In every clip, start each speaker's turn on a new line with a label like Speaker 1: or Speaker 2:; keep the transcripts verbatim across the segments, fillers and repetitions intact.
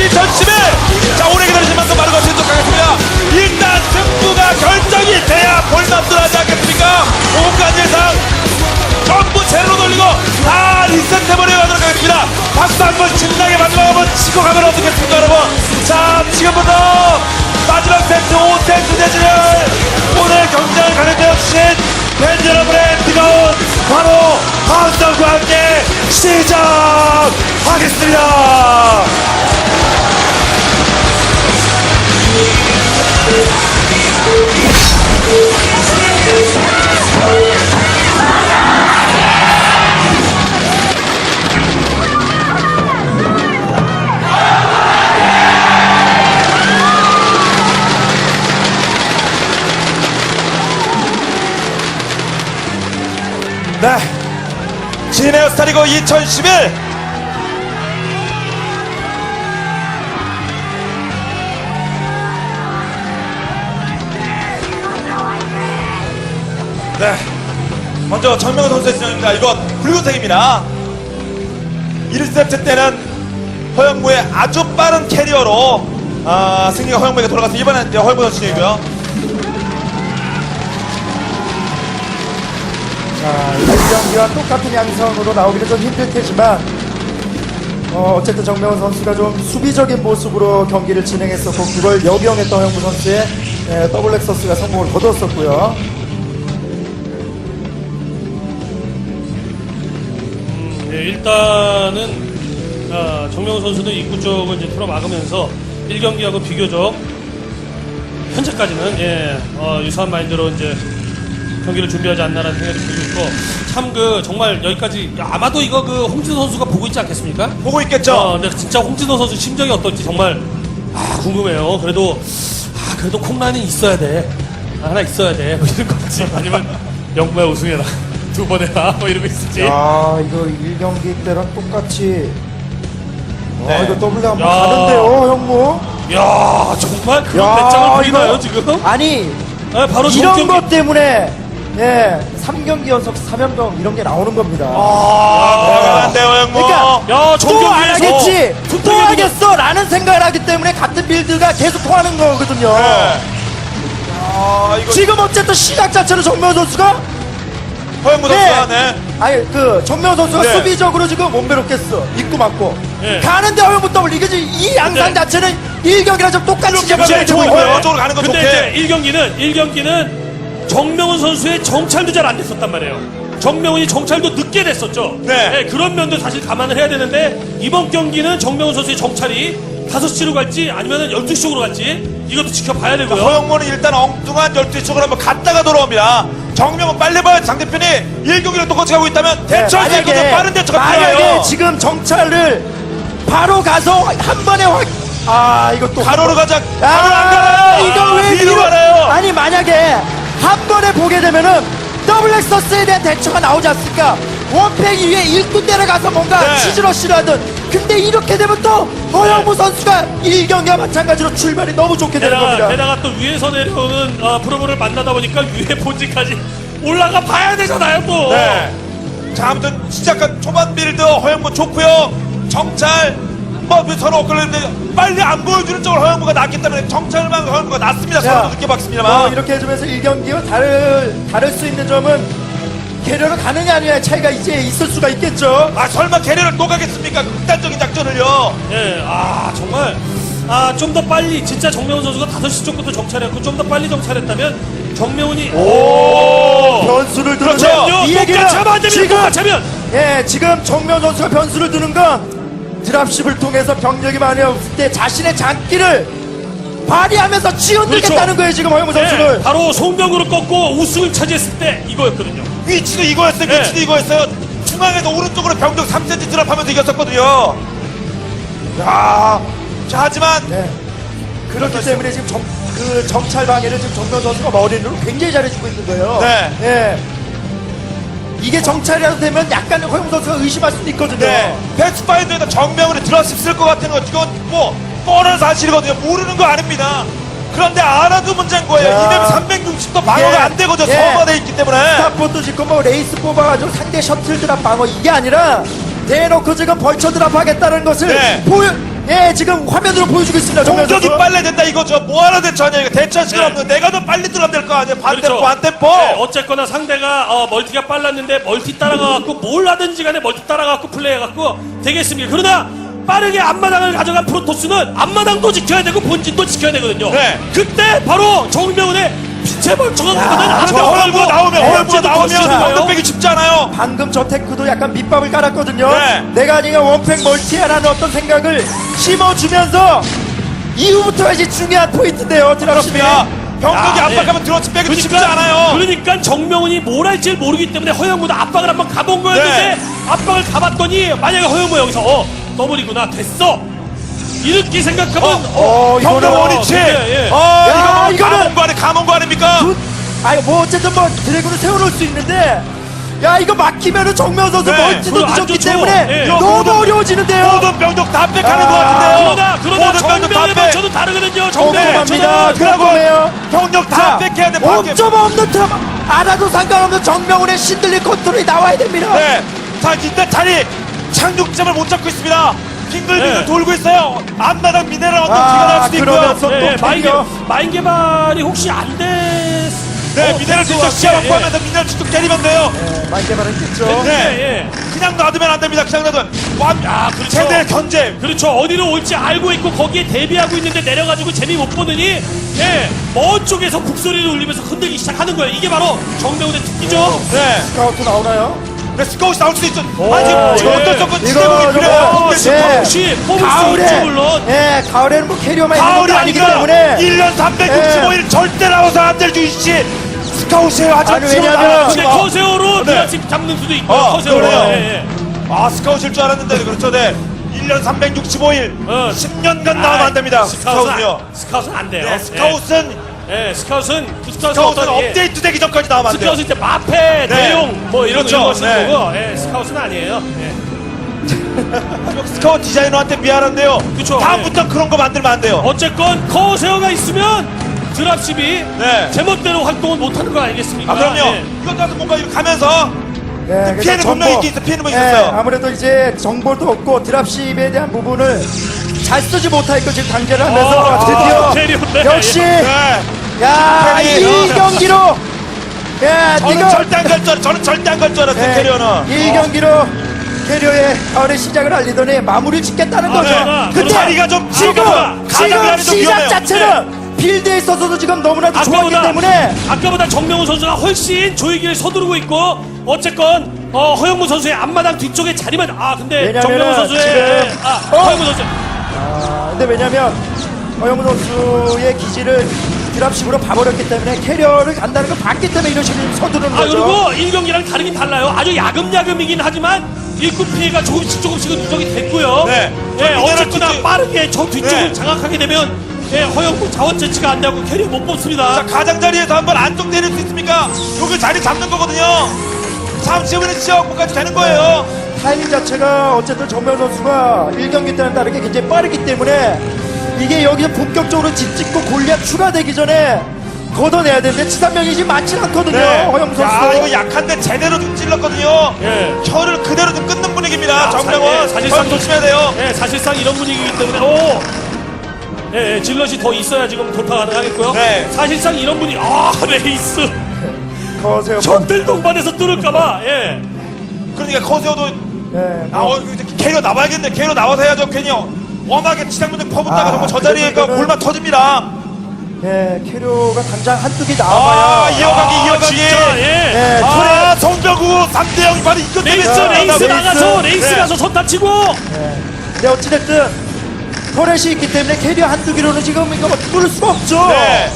Speaker 1: 이천십일. 자, 오래 기다리신 만큼 많은 것을 또 가겠습니다. 일단 승부가 결정이 돼야 볼맛도 나지 않겠습니까? 온갖 예상 전부 제로 돌리고 다 리셋해버려 가도록 하겠습니다. 박수 한번 신나게 마지막 한번 치고 가면 어떻겠습니까, 여러분? 자, 지금부터 마지막 세트 오 세트 대진을 오늘 경쟁을 가려되어 주신 팬 여러분의 뜨거운 바로 함성과 함께 시작하겠습니다. 네, 진에어 스타리그 이천십일. 네, 먼저 정명훈 선수의 진영입니다. 이건 붉은색입니다. 일 세트 때는 허영무의 아주 빠른 캐리어로 아, 승리가 허영무에게 돌아가서 이번엔 이제 허영무 선수 진영이고요.
Speaker 2: 자, 일 경기와 똑같은 양상으로 나오기는 좀 힘들 테지만 어, 어쨌든 정명훈 선수가 좀 수비적인 모습으로 경기를 진행했었고 그걸 역이용했던 허영무 선수의 예, 더블 렉서스가 성공을 거뒀었고요.
Speaker 3: 음, 네, 일단은 아, 정명훈 선수는 입구 쪽을 이제 풀어 막으면서 일 경기하고 비교적 현재까지는 예, 어, 유사한 마인드로 이제 경기를 준비하지 않나라는 생각이 들고 있고, 참 그 정말 여기까지 아마도 이거 그 홍진호 선수가 보고 있지 않겠습니까?
Speaker 1: 보고 있겠죠.
Speaker 3: 어, 근데 진짜 홍진호 선수 심정이 어떨지 정말 아, 궁금해요. 그래도 아, 그래도 콩라인은 있어야 돼. 하나 있어야 돼. 뭐 이런 거지. 아니면 영구야 우승해라. 두 번 해라. 뭐 이러고 있을지.
Speaker 2: 아, 이거 일 경기 때랑 똑같이
Speaker 1: 네.
Speaker 2: 아, 이거 더블 한번
Speaker 3: 야.
Speaker 2: 가는데요, 형무.
Speaker 3: 야 정말 그런
Speaker 2: 야,
Speaker 3: 배짱을 부리나요
Speaker 2: 이거-
Speaker 3: 지금?
Speaker 2: 아니,
Speaker 3: 아, 바로
Speaker 2: 이런
Speaker 3: 정경기-
Speaker 2: 것 때문에 예, 삼 경기 연속 삼 연병 이런 게 나오는 겁니다.
Speaker 1: 아, 대단한데요, 형무.
Speaker 2: 그러니까
Speaker 3: 야,
Speaker 2: 또 안
Speaker 3: 정경기에서
Speaker 2: 하겠지, 또
Speaker 3: 분명히
Speaker 2: 하겠어 라는 생각을 하기 때문에 같은 빌드가 계속 통하는 거거든요.
Speaker 1: 네. 아, 이거
Speaker 2: 지금 어쨌든 시작 자체로 정명훈 선수가
Speaker 1: 허영무 선수가 네.
Speaker 2: 아니 그 정명훈 선수가
Speaker 1: 네.
Speaker 2: 수비적으로 지금 몸베롭겠어 입고 맞고
Speaker 3: 네.
Speaker 2: 가는데 허영무 더블 이게 지금 이 양상
Speaker 3: 근데-
Speaker 2: 자체는 일 경기랑 좀 똑같이
Speaker 1: 이렇게
Speaker 2: 지금
Speaker 1: 가면
Speaker 2: 진행되고
Speaker 1: 좋고요.
Speaker 2: 있고요.
Speaker 1: 저쪽으로 가는 건
Speaker 3: 근데
Speaker 1: 좋게.
Speaker 3: 이제 일 경기는 일 경기는 정명훈 선수의 정찰도 잘 안 됐었단 말이에요. 정명훈이 정찰도 늦게 됐었죠.
Speaker 1: 네.
Speaker 3: 그런 면도 사실 감안을 해야 되는데 이번 경기는 정명훈 선수의 정찰이 다섯 시로 갈지 아니면 열두 시 쪽으로 갈지 이것도 지켜봐야 되고요.
Speaker 1: 허영무는 일단 엉뚱한 열두 시 쪽으로 한번 갔다가 돌아옵니다. 정명은 빨리 봐야 상대편이 일 경기를 똑같이 가고 있다면 대처할 수 있거든요. 빠른 대처가
Speaker 2: 만약에
Speaker 1: 필요해요.
Speaker 2: 지금 정찰을 바로 가서 한 번에 확, 아 이거 또
Speaker 1: 가로로 가자.
Speaker 2: 아,
Speaker 1: 가로로 안 가요.
Speaker 2: 이거 왜
Speaker 1: 뒤로
Speaker 2: 뒤로-
Speaker 1: 가나요?
Speaker 2: 아니 만약에 한 번에 보게 되면은 더블 엑서스에 대한 대처가 나오지 않습니까? 원팩 위에 일꾼 내려가서 뭔가
Speaker 1: 네.
Speaker 2: 치즈러쉬를 하든 근데 이렇게 되면 또 허영무 선수가 일 경기와 마찬가지로 출발이 너무 좋게 되는
Speaker 3: 게다가,
Speaker 2: 겁니다.
Speaker 3: 게다가 또 위에서 내려오는 어, 프로모를 만나다 보니까 위에 본진까지 올라가 봐야 되잖아요 또.
Speaker 1: 네. 자, 아무튼 시작한 초반 빌드 허영무 좋고요. 정찰 뭐 서로 엇갈리는데 빨리 안 보여주는 쪽으로 허영무가 낫기 때문에 정찰만 허영무가 낫습니다.
Speaker 2: 자,
Speaker 1: 서로 늦게 봤습니다만.
Speaker 2: 뭐 이렇게 해주면서 일 경기와 다를, 다를 수 있는 점은 캐리어가 가느냐 아니냐의 차이가 이제 있을 수가 있겠죠.
Speaker 1: 아, 설마 캐리어를 또 가겠습니까? 극단적인 작전을요.
Speaker 3: 예, 아 정말 아 좀 더 빨리 진짜 정명훈 선수가 다섯 시 쪽부터 정찰했고 좀 더 빨리 정찰했다면 정명훈이 오,
Speaker 2: 변수를 두는
Speaker 1: 그렇죠.
Speaker 2: 거. 이 얘기는
Speaker 3: 똑같이 하면 안 됩니다.
Speaker 2: 지금
Speaker 3: 똑같이 하면
Speaker 2: 예, 지금 정면 선수가 변수를 두는 건 드랍십을 통해서 병력이 많이 없을 때 자신의 장기를 발휘하면서 치어들겠다는
Speaker 3: 그렇죠.
Speaker 2: 거예요, 지금 허영무 선수를.
Speaker 3: 네, 바로 송병구를 꺾고 우승을 차지했을 때 이거였거든요.
Speaker 1: 위치도 이거였어요.
Speaker 3: 네.
Speaker 1: 위치도 이거였어요. 중앙에서 오른쪽으로 병력 삼 센티미터 드랍하면서 이겼었거든요. 야, 자, 하지만
Speaker 2: 네. 그렇기 때문에 지금 정, 그 정찰 방해를 지금 정면 선수가 머리로 굉장히 잘해주고 있는 거예요.
Speaker 1: 네.
Speaker 2: 예. 이게 정찰이라도 되면 약간 허영무 선수가 의심할 수도 있거든요.
Speaker 1: 네, 패스파인더에다 정명으로 드랍십 쓸 것 같은 거 이건 뭐 뻔한 사실이거든요. 모르는 거 아닙니다. 그런데 알아도 문제인 거예요.
Speaker 2: 야.
Speaker 1: 이맵 삼백육십 도 방어가
Speaker 2: 이게,
Speaker 1: 안 되거든요.
Speaker 2: 예.
Speaker 1: 서버돼 있기 때문에.
Speaker 2: 스타포도 짓고 뭐 레이스 뽑아가지고 상대 셔틀 드랍 방어 이게 아니라 대놓고 지금 벌처 드랍 하겠다는 것을
Speaker 1: 네.
Speaker 2: 보여 예, 지금 화면으로 보여주고 있습니다. 정면
Speaker 1: 공격이
Speaker 2: 선수.
Speaker 1: 빨라야 된다 이거죠. 뭐하러 대처하냐 이거 대처할 시간
Speaker 3: 네.
Speaker 1: 없는데 내가 더 빨리 들어가면 될 거 아니야. 반템포
Speaker 3: 그렇죠.
Speaker 1: 반템포.
Speaker 3: 네, 어쨌거나 상대가 어, 멀티가 빨랐는데 멀티 따라가갖고 뭘 하든지 간에 멀티 따라가갖고 플레이해갖고 되겠습니다. 그러나 빠르게 앞마당을 가져간 프로토스는 앞마당도 지켜야 되고 본진도 지켜야 되거든요.
Speaker 1: 네.
Speaker 3: 그때 바로 정명훈의 빛의 벌초가 가거든.
Speaker 2: 야,
Speaker 1: 저 허물고 나오면 허물고 나오면
Speaker 3: 거예요.
Speaker 1: 언덕 빼기 쉽지 않아요.
Speaker 2: 방금 저 테크도 약간 밑밥을 깔았거든요.
Speaker 1: 네.
Speaker 2: 내가 아니가 원팩 멀티하라는 어떤 생각을 심어주면서 이후부터가 이제 중요한 포인트인데요. 드랍십이.
Speaker 1: 그렇습니다. 병력이
Speaker 3: 아, 네.
Speaker 1: 압박하면 들어치 빼기 쉽지 않아요.
Speaker 3: 그러니까 정명훈이 뭘 할지 모르기 때문에 허영무도 압박을 한번 가본 거였는데
Speaker 1: 네.
Speaker 3: 압박을 가봤더니 만약에 허영무 여기서 어 더블이구나 됐어 이렇게 생각하면
Speaker 2: 어, 이거는
Speaker 1: 경력 원위치.
Speaker 3: 예, 예.
Speaker 1: 어,
Speaker 2: 야,
Speaker 1: 이거
Speaker 2: 이거는-
Speaker 1: 감옥 거 아니 감옥 거 아닙니까?
Speaker 2: 굿. 아니 뭐 어쨌든 뭐 드래곤을 세워놓을 수 있는데 야 이거 막히면은 정면 선수
Speaker 1: 네.
Speaker 2: 멀티도
Speaker 3: 그거 안
Speaker 2: 늦었기
Speaker 3: 좋죠.
Speaker 2: 때문에
Speaker 3: 예.
Speaker 2: 너무
Speaker 1: 모든-
Speaker 2: 어려워지는데요.
Speaker 1: 모든 병력 다 빽하는
Speaker 2: 아,
Speaker 1: 것 같은데요.
Speaker 3: 그러나 그러나
Speaker 1: 모든 병력 다
Speaker 3: 정명훈의
Speaker 1: 빽.
Speaker 3: 벌초도 다르거든요. 정명훈의
Speaker 2: 궁금합니다.
Speaker 3: 벌초는
Speaker 1: 그러고
Speaker 2: 궁금해요.
Speaker 1: 병력 다 빽해야 돼. 밖에.
Speaker 2: 오 점 없는 트럼 알아도 상관없는 정명훈의 신들린 컨트롤이 나와야 됩니다.
Speaker 1: 네. 자, 일단 자리 착륙점을 못 잡고 있습니다. 빙글빙글
Speaker 3: 네.
Speaker 1: 돌고 있어요. 앞마당 미네랄 언덕
Speaker 2: 아,
Speaker 1: 기가 날 수도 있고요.
Speaker 2: 그러면서
Speaker 3: 예,
Speaker 2: 또
Speaker 3: 마인,
Speaker 2: 캐리어.
Speaker 3: 마인 개발이 혹시 안 됐...
Speaker 1: 네,
Speaker 3: 어,
Speaker 1: 미네랄
Speaker 3: 될것
Speaker 1: 직접
Speaker 3: 같아.
Speaker 1: 시야
Speaker 3: 예.
Speaker 1: 확보하면서 미네랄 직접 때리면 돼요.
Speaker 2: 네, 많이 개발했겠죠.
Speaker 3: 네.
Speaker 1: 네.
Speaker 3: 예.
Speaker 1: 그냥 놔두면 안 됩니다. 그냥 놔두면. 완, 아,
Speaker 3: 그렇죠.
Speaker 1: 최대 견제.
Speaker 3: 그렇죠. 어디로 올지 알고 있고 거기에 대비하고 있는데 내려가지고 재미 못 보느니 예, 먼 쪽에서 북소리를 울리면서 흔들기 시작하는 거예요. 이게 바로 정명훈의 특기죠.
Speaker 1: 네.
Speaker 2: 스카우트 나오나요?
Speaker 1: 네, 스코어시 나올 수도 있죠.
Speaker 2: 오,
Speaker 1: 아니, 지금, 지금
Speaker 3: 예.
Speaker 1: 어떤 조건
Speaker 2: 이거,
Speaker 1: 지대목이
Speaker 2: 이거,
Speaker 1: 필요해요.
Speaker 2: 예.
Speaker 3: 혹시 뽑을 수
Speaker 2: 가을에
Speaker 3: 있죠 물론.
Speaker 2: 예, 가을에는 뭐 캐리어만 있는
Speaker 1: 가을이
Speaker 2: 것도 아니기
Speaker 1: 아니라
Speaker 2: 때문에
Speaker 1: 일 년 삼백육십오 일 절대 나와서 안 될 주이씨 스카웃이에요. 아주
Speaker 2: 아니,
Speaker 1: 지금
Speaker 2: 왜냐면-
Speaker 1: 나와요,
Speaker 3: 근데
Speaker 1: 지금.
Speaker 3: 커세어로
Speaker 1: 네.
Speaker 3: 드라식 잡는 수도 있고
Speaker 1: 어,
Speaker 3: 커세어로.
Speaker 1: 그래요.
Speaker 3: 예, 예.
Speaker 1: 아, 스카웃일 줄 알았는데, 그렇죠. 네. 일 년 삼백육십오 일,
Speaker 3: 어.
Speaker 1: 십 년간 나오면 안 됩니다.
Speaker 3: 스카웃은
Speaker 1: 스카웃은요.
Speaker 3: 안, 스카웃은 안 돼요.
Speaker 1: 네, 스카웃은,
Speaker 3: 예, 예, 스카웃은 그 스카웃은
Speaker 1: 스카웃은
Speaker 3: 어떤, 예,
Speaker 1: 업데이트 되기 전까지 나오면 안 돼요.
Speaker 3: 스카웃은 이제 마패,
Speaker 1: 네.
Speaker 3: 대용 뭐 이런
Speaker 1: 그렇죠.
Speaker 3: 이런 거 쓰는
Speaker 1: 네.
Speaker 3: 거고, 예, 스카웃은 아니에요. 예.
Speaker 1: 스카웃 디자이너한테 미안한데요.
Speaker 3: 그쵸,
Speaker 1: 다음부터 그런 거 만들면 안 돼요.
Speaker 3: 어쨌건 커세어가 있으면 드랍십이
Speaker 1: 네.
Speaker 3: 제멋대로 활동을 못하는 거 아니겠습니까?
Speaker 1: 아, 그럼요.
Speaker 3: 예.
Speaker 1: 이것도 뭔가 이렇게 가면서
Speaker 2: 예, 그래서
Speaker 1: 피해는 분명히 있긴 있어, 피해는 뭐
Speaker 2: 예,
Speaker 1: 있었어요.
Speaker 2: 아무래도 이제 정보도 없고 드랍십에 대한 부분을 잘 쓰지 못하니까 지금 단계를 하면서
Speaker 3: 아,
Speaker 2: 드디어
Speaker 3: 캐리어인데.
Speaker 2: 역시
Speaker 1: 네.
Speaker 2: 야,
Speaker 1: 캐리어.
Speaker 2: 이 경기로 예,
Speaker 1: 저는
Speaker 2: 이거
Speaker 1: 절대 안 갈 줄, 알았- 저는 절대 안 갈 줄 알았어요,
Speaker 2: 예,
Speaker 1: 캐리어는.
Speaker 2: 이 경기로 캐리어의 가을의 시작을 알리더니 마무리를 짓겠다는 거죠.
Speaker 3: 네.
Speaker 2: 근데
Speaker 1: 자리가 좀
Speaker 2: 지금
Speaker 1: 아까보다
Speaker 2: 지금
Speaker 1: 가장자리 좀
Speaker 2: 시작
Speaker 1: 위험해요.
Speaker 2: 자체는 필드에 있어서도 지금 너무나도 좋았기
Speaker 3: 아까보다
Speaker 2: 때문에
Speaker 3: 아까보다 정명훈 선수가 훨씬 조이기를 서두르고 있고 어쨌건 어, 허영무 선수의 앞마당 뒤쪽에 자리만 아 근데
Speaker 2: 왜냐면은
Speaker 3: 정명훈 선수의
Speaker 2: 지금-
Speaker 3: 아
Speaker 2: 어?
Speaker 3: 허영무 선수
Speaker 2: 아, 근데 왜냐면 허영무 선수의 기지를 드랍식으로 봐버렸기 때문에 캐리어를 간다는 걸 봤기 때문에 이런 식으로 서두르는
Speaker 3: 아
Speaker 2: 거죠.
Speaker 3: 그리고 일 경기랑 다르긴 달라요. 아주 야금야금이긴 하지만 일꾼 피해가 조금씩 조금씩은 누적이 됐고요.
Speaker 1: 네.
Speaker 3: 예,
Speaker 1: 저
Speaker 3: 어쨌거나
Speaker 1: 미네랄
Speaker 3: 빠르게 저 뒤쪽을
Speaker 1: 네.
Speaker 3: 장악하게 되면 예, 허영무 자원 채취가 안 되고 캐리어 못 뽑습니다.
Speaker 1: 자, 가장자리에서 한번 안쪽 내릴 수 있습니까? 여기 자리 잡는 거거든요. 잠시 후에 지역까지 되는 거예요.
Speaker 2: 타이밍 자체가 어쨌든 정명 선수가 일 경기 때는 다르게 굉장히 빠르기 때문에 이게 여기서 본격적으로 집 짓고 골리앗 추가되기 전에 걷어내야 되는데 치산명이 지금 많지는 않거든요. 허영무 선수.
Speaker 1: 야, 이거 약한데 제대로 좀 찔렀거든요.
Speaker 3: 예.
Speaker 1: 혀를 그대로 좀 끊는 분위기입니다.
Speaker 3: 아,
Speaker 1: 정명원.
Speaker 3: 사- 예, 사실상-
Speaker 1: 혀 조심해야 돼요.
Speaker 3: 예, 사실상 이런 분위기이기 때문에 오! 예, 예, 질럿이 더 있어야 지금 돌파 가능하겠고요.
Speaker 1: 네.
Speaker 3: 사실상 이런 분위 아 레이스
Speaker 2: 거세요.
Speaker 3: 적들 동반해서 뚫을까봐 예.
Speaker 1: 그러니까 커세어도
Speaker 2: 예,
Speaker 1: 아,
Speaker 2: 뭐,
Speaker 1: 어, 이제 캐리어 나와야겠네. 캐리어 나와서 해야죠. 괜히 워낙에 지상문에 퍼붓다가
Speaker 2: 아,
Speaker 1: 정말 저 자리에가
Speaker 2: 그러면은-
Speaker 1: 골만 터집니다.
Speaker 2: 예, 캐리어가 당장 한두 개
Speaker 1: 아,
Speaker 2: 나와봐야.
Speaker 1: 이어가기,
Speaker 3: 아,
Speaker 1: 이어가기.
Speaker 3: 진짜 예.
Speaker 2: 예,
Speaker 1: 아, 송병구 삼 대 영 바로 이것 때문에
Speaker 3: 레이스
Speaker 2: 자,
Speaker 3: 레이스
Speaker 2: 레이스.
Speaker 3: 나가서 레이스
Speaker 1: 네.
Speaker 3: 가서 손 다치고
Speaker 2: 예. 근데 어찌됐든 터렛이 있기 때문에 캐리어 한두 개로는 지금 이거 뚫을 수가 없죠.
Speaker 1: 네.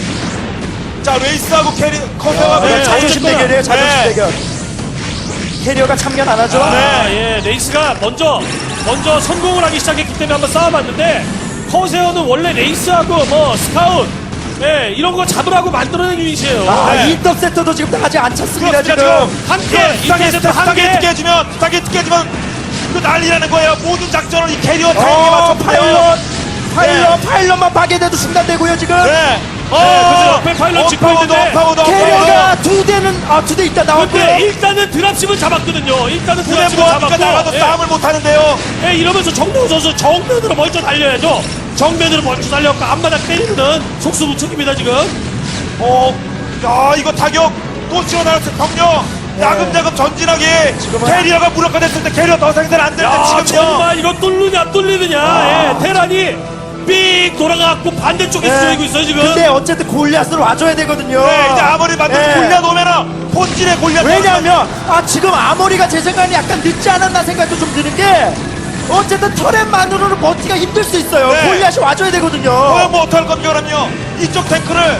Speaker 1: 자, 레이스하고 캐리 커세어가
Speaker 2: 아,
Speaker 1: 그냥
Speaker 3: 네,
Speaker 2: 자존심
Speaker 3: 어쨌거나.
Speaker 2: 대결이에요, 자존심
Speaker 1: 네.
Speaker 2: 대결. 캐리어가 참견 안 하죠.
Speaker 3: 아, 예, 레이스가 먼저 먼저 성공을 하기 시작했기 때문에 한번 싸워봤는데 커세어는 원래 레이스하고 뭐 스카웃 예, 이런 거 잡으라고 만들어낸 유닛이에요.
Speaker 2: 아,
Speaker 1: 네.
Speaker 2: 인터셉터도 지금 다 아직 안 찼습니다,
Speaker 1: 그렇습니다,
Speaker 2: 지금.
Speaker 1: 지금.
Speaker 3: 함께
Speaker 1: 스타게
Speaker 3: 인터셉터 한
Speaker 1: 스타게
Speaker 3: 개.
Speaker 1: 깨지면 스타게 깨지면 그 난리라는 거예요. 모든 작전을 이 캐리어 타이밍에
Speaker 2: 어,
Speaker 1: 맞춰
Speaker 2: 파일럿, 파일럿, 파일럿만 파괴돼도 중단되고요, 지금.
Speaker 1: 네. 어,
Speaker 3: 옆에 파일럿 찍고
Speaker 1: 업파워도,
Speaker 3: 있는데
Speaker 1: 업파워도, 업파워도.
Speaker 2: 캐리어가 두 대는 아 두 대 있다 나왔고요.
Speaker 3: 근데 일단은 드랍십은 잡았거든요. 일단은
Speaker 1: 그래
Speaker 3: 드랍십은
Speaker 1: 뭐하니까
Speaker 3: 잡았고
Speaker 1: 나가도
Speaker 3: 예.
Speaker 1: 싸움을 못하는데요.
Speaker 3: 예, 이러면서 정명훈 선수 정면으로 먼저 달려야죠. 정면으로 먼저 달려갖고 앞마당 때리는 속수무책입니다 지금.
Speaker 1: 어, 야 이거 타격 또 치워나갔어요. 병력 야금야금 전진하게
Speaker 2: 지금은-
Speaker 1: 캐리어가 무력화됐을 때 캐리어 더 생산 안 될 때
Speaker 3: 야
Speaker 1: 지금요.
Speaker 3: 정말 이거 뚫느냐 뚫리느냐.
Speaker 2: 아.
Speaker 3: 예, 테란이 삑 돌아가갖고 반대쪽에
Speaker 2: 네.
Speaker 3: 쓰이고 있어요 지금.
Speaker 2: 근데 어쨌든 골리앗으로 와줘야 되거든요.
Speaker 1: 네, 이제 아무리 만들어
Speaker 2: 네.
Speaker 1: 골리앗 오면은 본질의 골리앗
Speaker 2: 왜냐하면 아 지금 아모리가 제 생각에 약간 늦지 않았나 생각도 좀 드는 게 어쨌든 터렛만으로는 버티기가 힘들 수 있어요.
Speaker 1: 네.
Speaker 2: 골리앗이 와줘야 되거든요.
Speaker 1: 그럼 뭐 어떡할 겁니까 그럼요. 이쪽 탱크를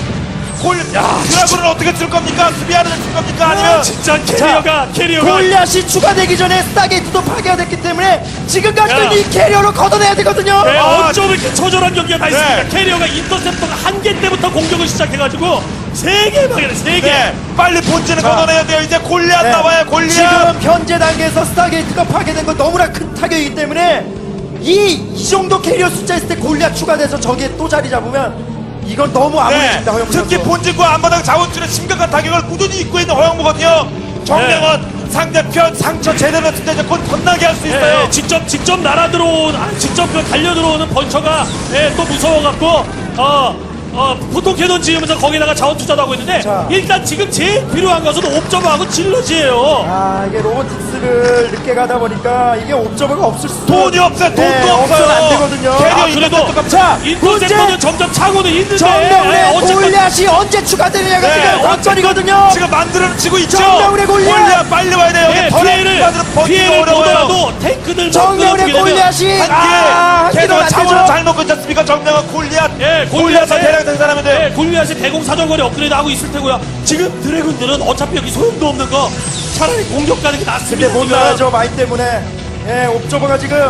Speaker 1: 골 드라군을 어떻게 쓸 겁니까? 수비하는 쓸 겁니까? 아니면
Speaker 3: 아, 진짜 캐리어가 캐리어가
Speaker 2: 골리앗이 추가되기 전에 스타게이트도 파괴가 됐기 때문에 지금까지는
Speaker 3: 야.
Speaker 2: 이 캐리어로 걷어내야 되거든요.
Speaker 3: 네,
Speaker 1: 아,
Speaker 3: 어쩜 이렇게 처절한 경기가 다 있습니까?
Speaker 1: 네.
Speaker 3: 캐리어가 인터셉터가 한 개 때부터 공격을 시작해가지고 세 개 방해를 세 개.
Speaker 1: 네, 빨리 본질을
Speaker 2: 자.
Speaker 1: 걷어내야 돼요. 이제 골리앗
Speaker 2: 네.
Speaker 1: 나와요. 골리앗.
Speaker 2: 지금 현재 단계에서 스타게이트가 파괴된 건 너무나 큰 타격이기 때문에 이, 이 정도 캐리어 숫자 있을 때 골리앗 추가돼서 저기에 또 자리 잡으면 이건 너무
Speaker 1: 네,
Speaker 2: 아무리입니다. 허영무
Speaker 1: 특히
Speaker 2: 선수.
Speaker 1: 본질과 앞마당 자원줄에 심각한 타격을 꾸준히 입고 있는 허영무거든요. 정명원 상대편 상처 제대로 했을 때 이제 곧 덧나게 할 수 있어요.
Speaker 3: 예, 직접 직접 날아 들어온 아, 직접 그 달려 들어오는 번처가 예, 또 무서워갖고 어, 어, 보통 캐논 지으면서 거기다가 자원 투자도 하고 있는데
Speaker 2: 자.
Speaker 3: 일단 지금 제일 필요한 것은 옵저버하고 질럿이에요.
Speaker 2: 아 이게 로보틱스를 늦게 가다 보니까 이게 옵저버가 없을 수
Speaker 1: 돈이 없어요. 돈도
Speaker 2: 네,
Speaker 1: 없어요.
Speaker 2: 없으면 안 되거든요.
Speaker 1: 캐리어
Speaker 3: 아, 그래도
Speaker 1: 인터셉터가
Speaker 2: 자
Speaker 3: 인터셉터는
Speaker 2: 문제
Speaker 3: 점점 차고는 있는데
Speaker 2: 정명훈의
Speaker 3: 예, 어쨌건
Speaker 2: 골리앗이 언제 추가되느냐가
Speaker 1: 네,
Speaker 2: 지금 관건이거든요.
Speaker 1: 지금 만들어 치고 있죠.
Speaker 2: 정명훈의 골리앗!
Speaker 1: 빨리 와야 돼요.
Speaker 3: 예,
Speaker 1: 더
Speaker 3: 피해를
Speaker 1: 만들어 버티기
Speaker 3: 피해를
Speaker 1: 어려워요.
Speaker 3: 보더라도 탱크들
Speaker 2: 정명훈의 골리앗이 아,
Speaker 1: 한개
Speaker 2: 한기도
Speaker 1: 걔도
Speaker 2: 안
Speaker 1: 자원을
Speaker 2: 되죠.
Speaker 1: 잘 먹고 있지 않습니까? 정명은 골리앗.
Speaker 3: 예,
Speaker 1: 골리앗을
Speaker 3: 골리앗에-
Speaker 1: 대량 생산하면 돼요.
Speaker 3: 네, 골리앗이 대공 사정거리 업그레이드 하고 있을 테고요. 지금 드래곤들은 어차피 여기 소용도 없는 거 차라리 공격 가는 게 낫습니다.
Speaker 2: 근데 못
Speaker 3: 지금.
Speaker 2: 나가죠 마인 때문에. 예, 옵저버가 지금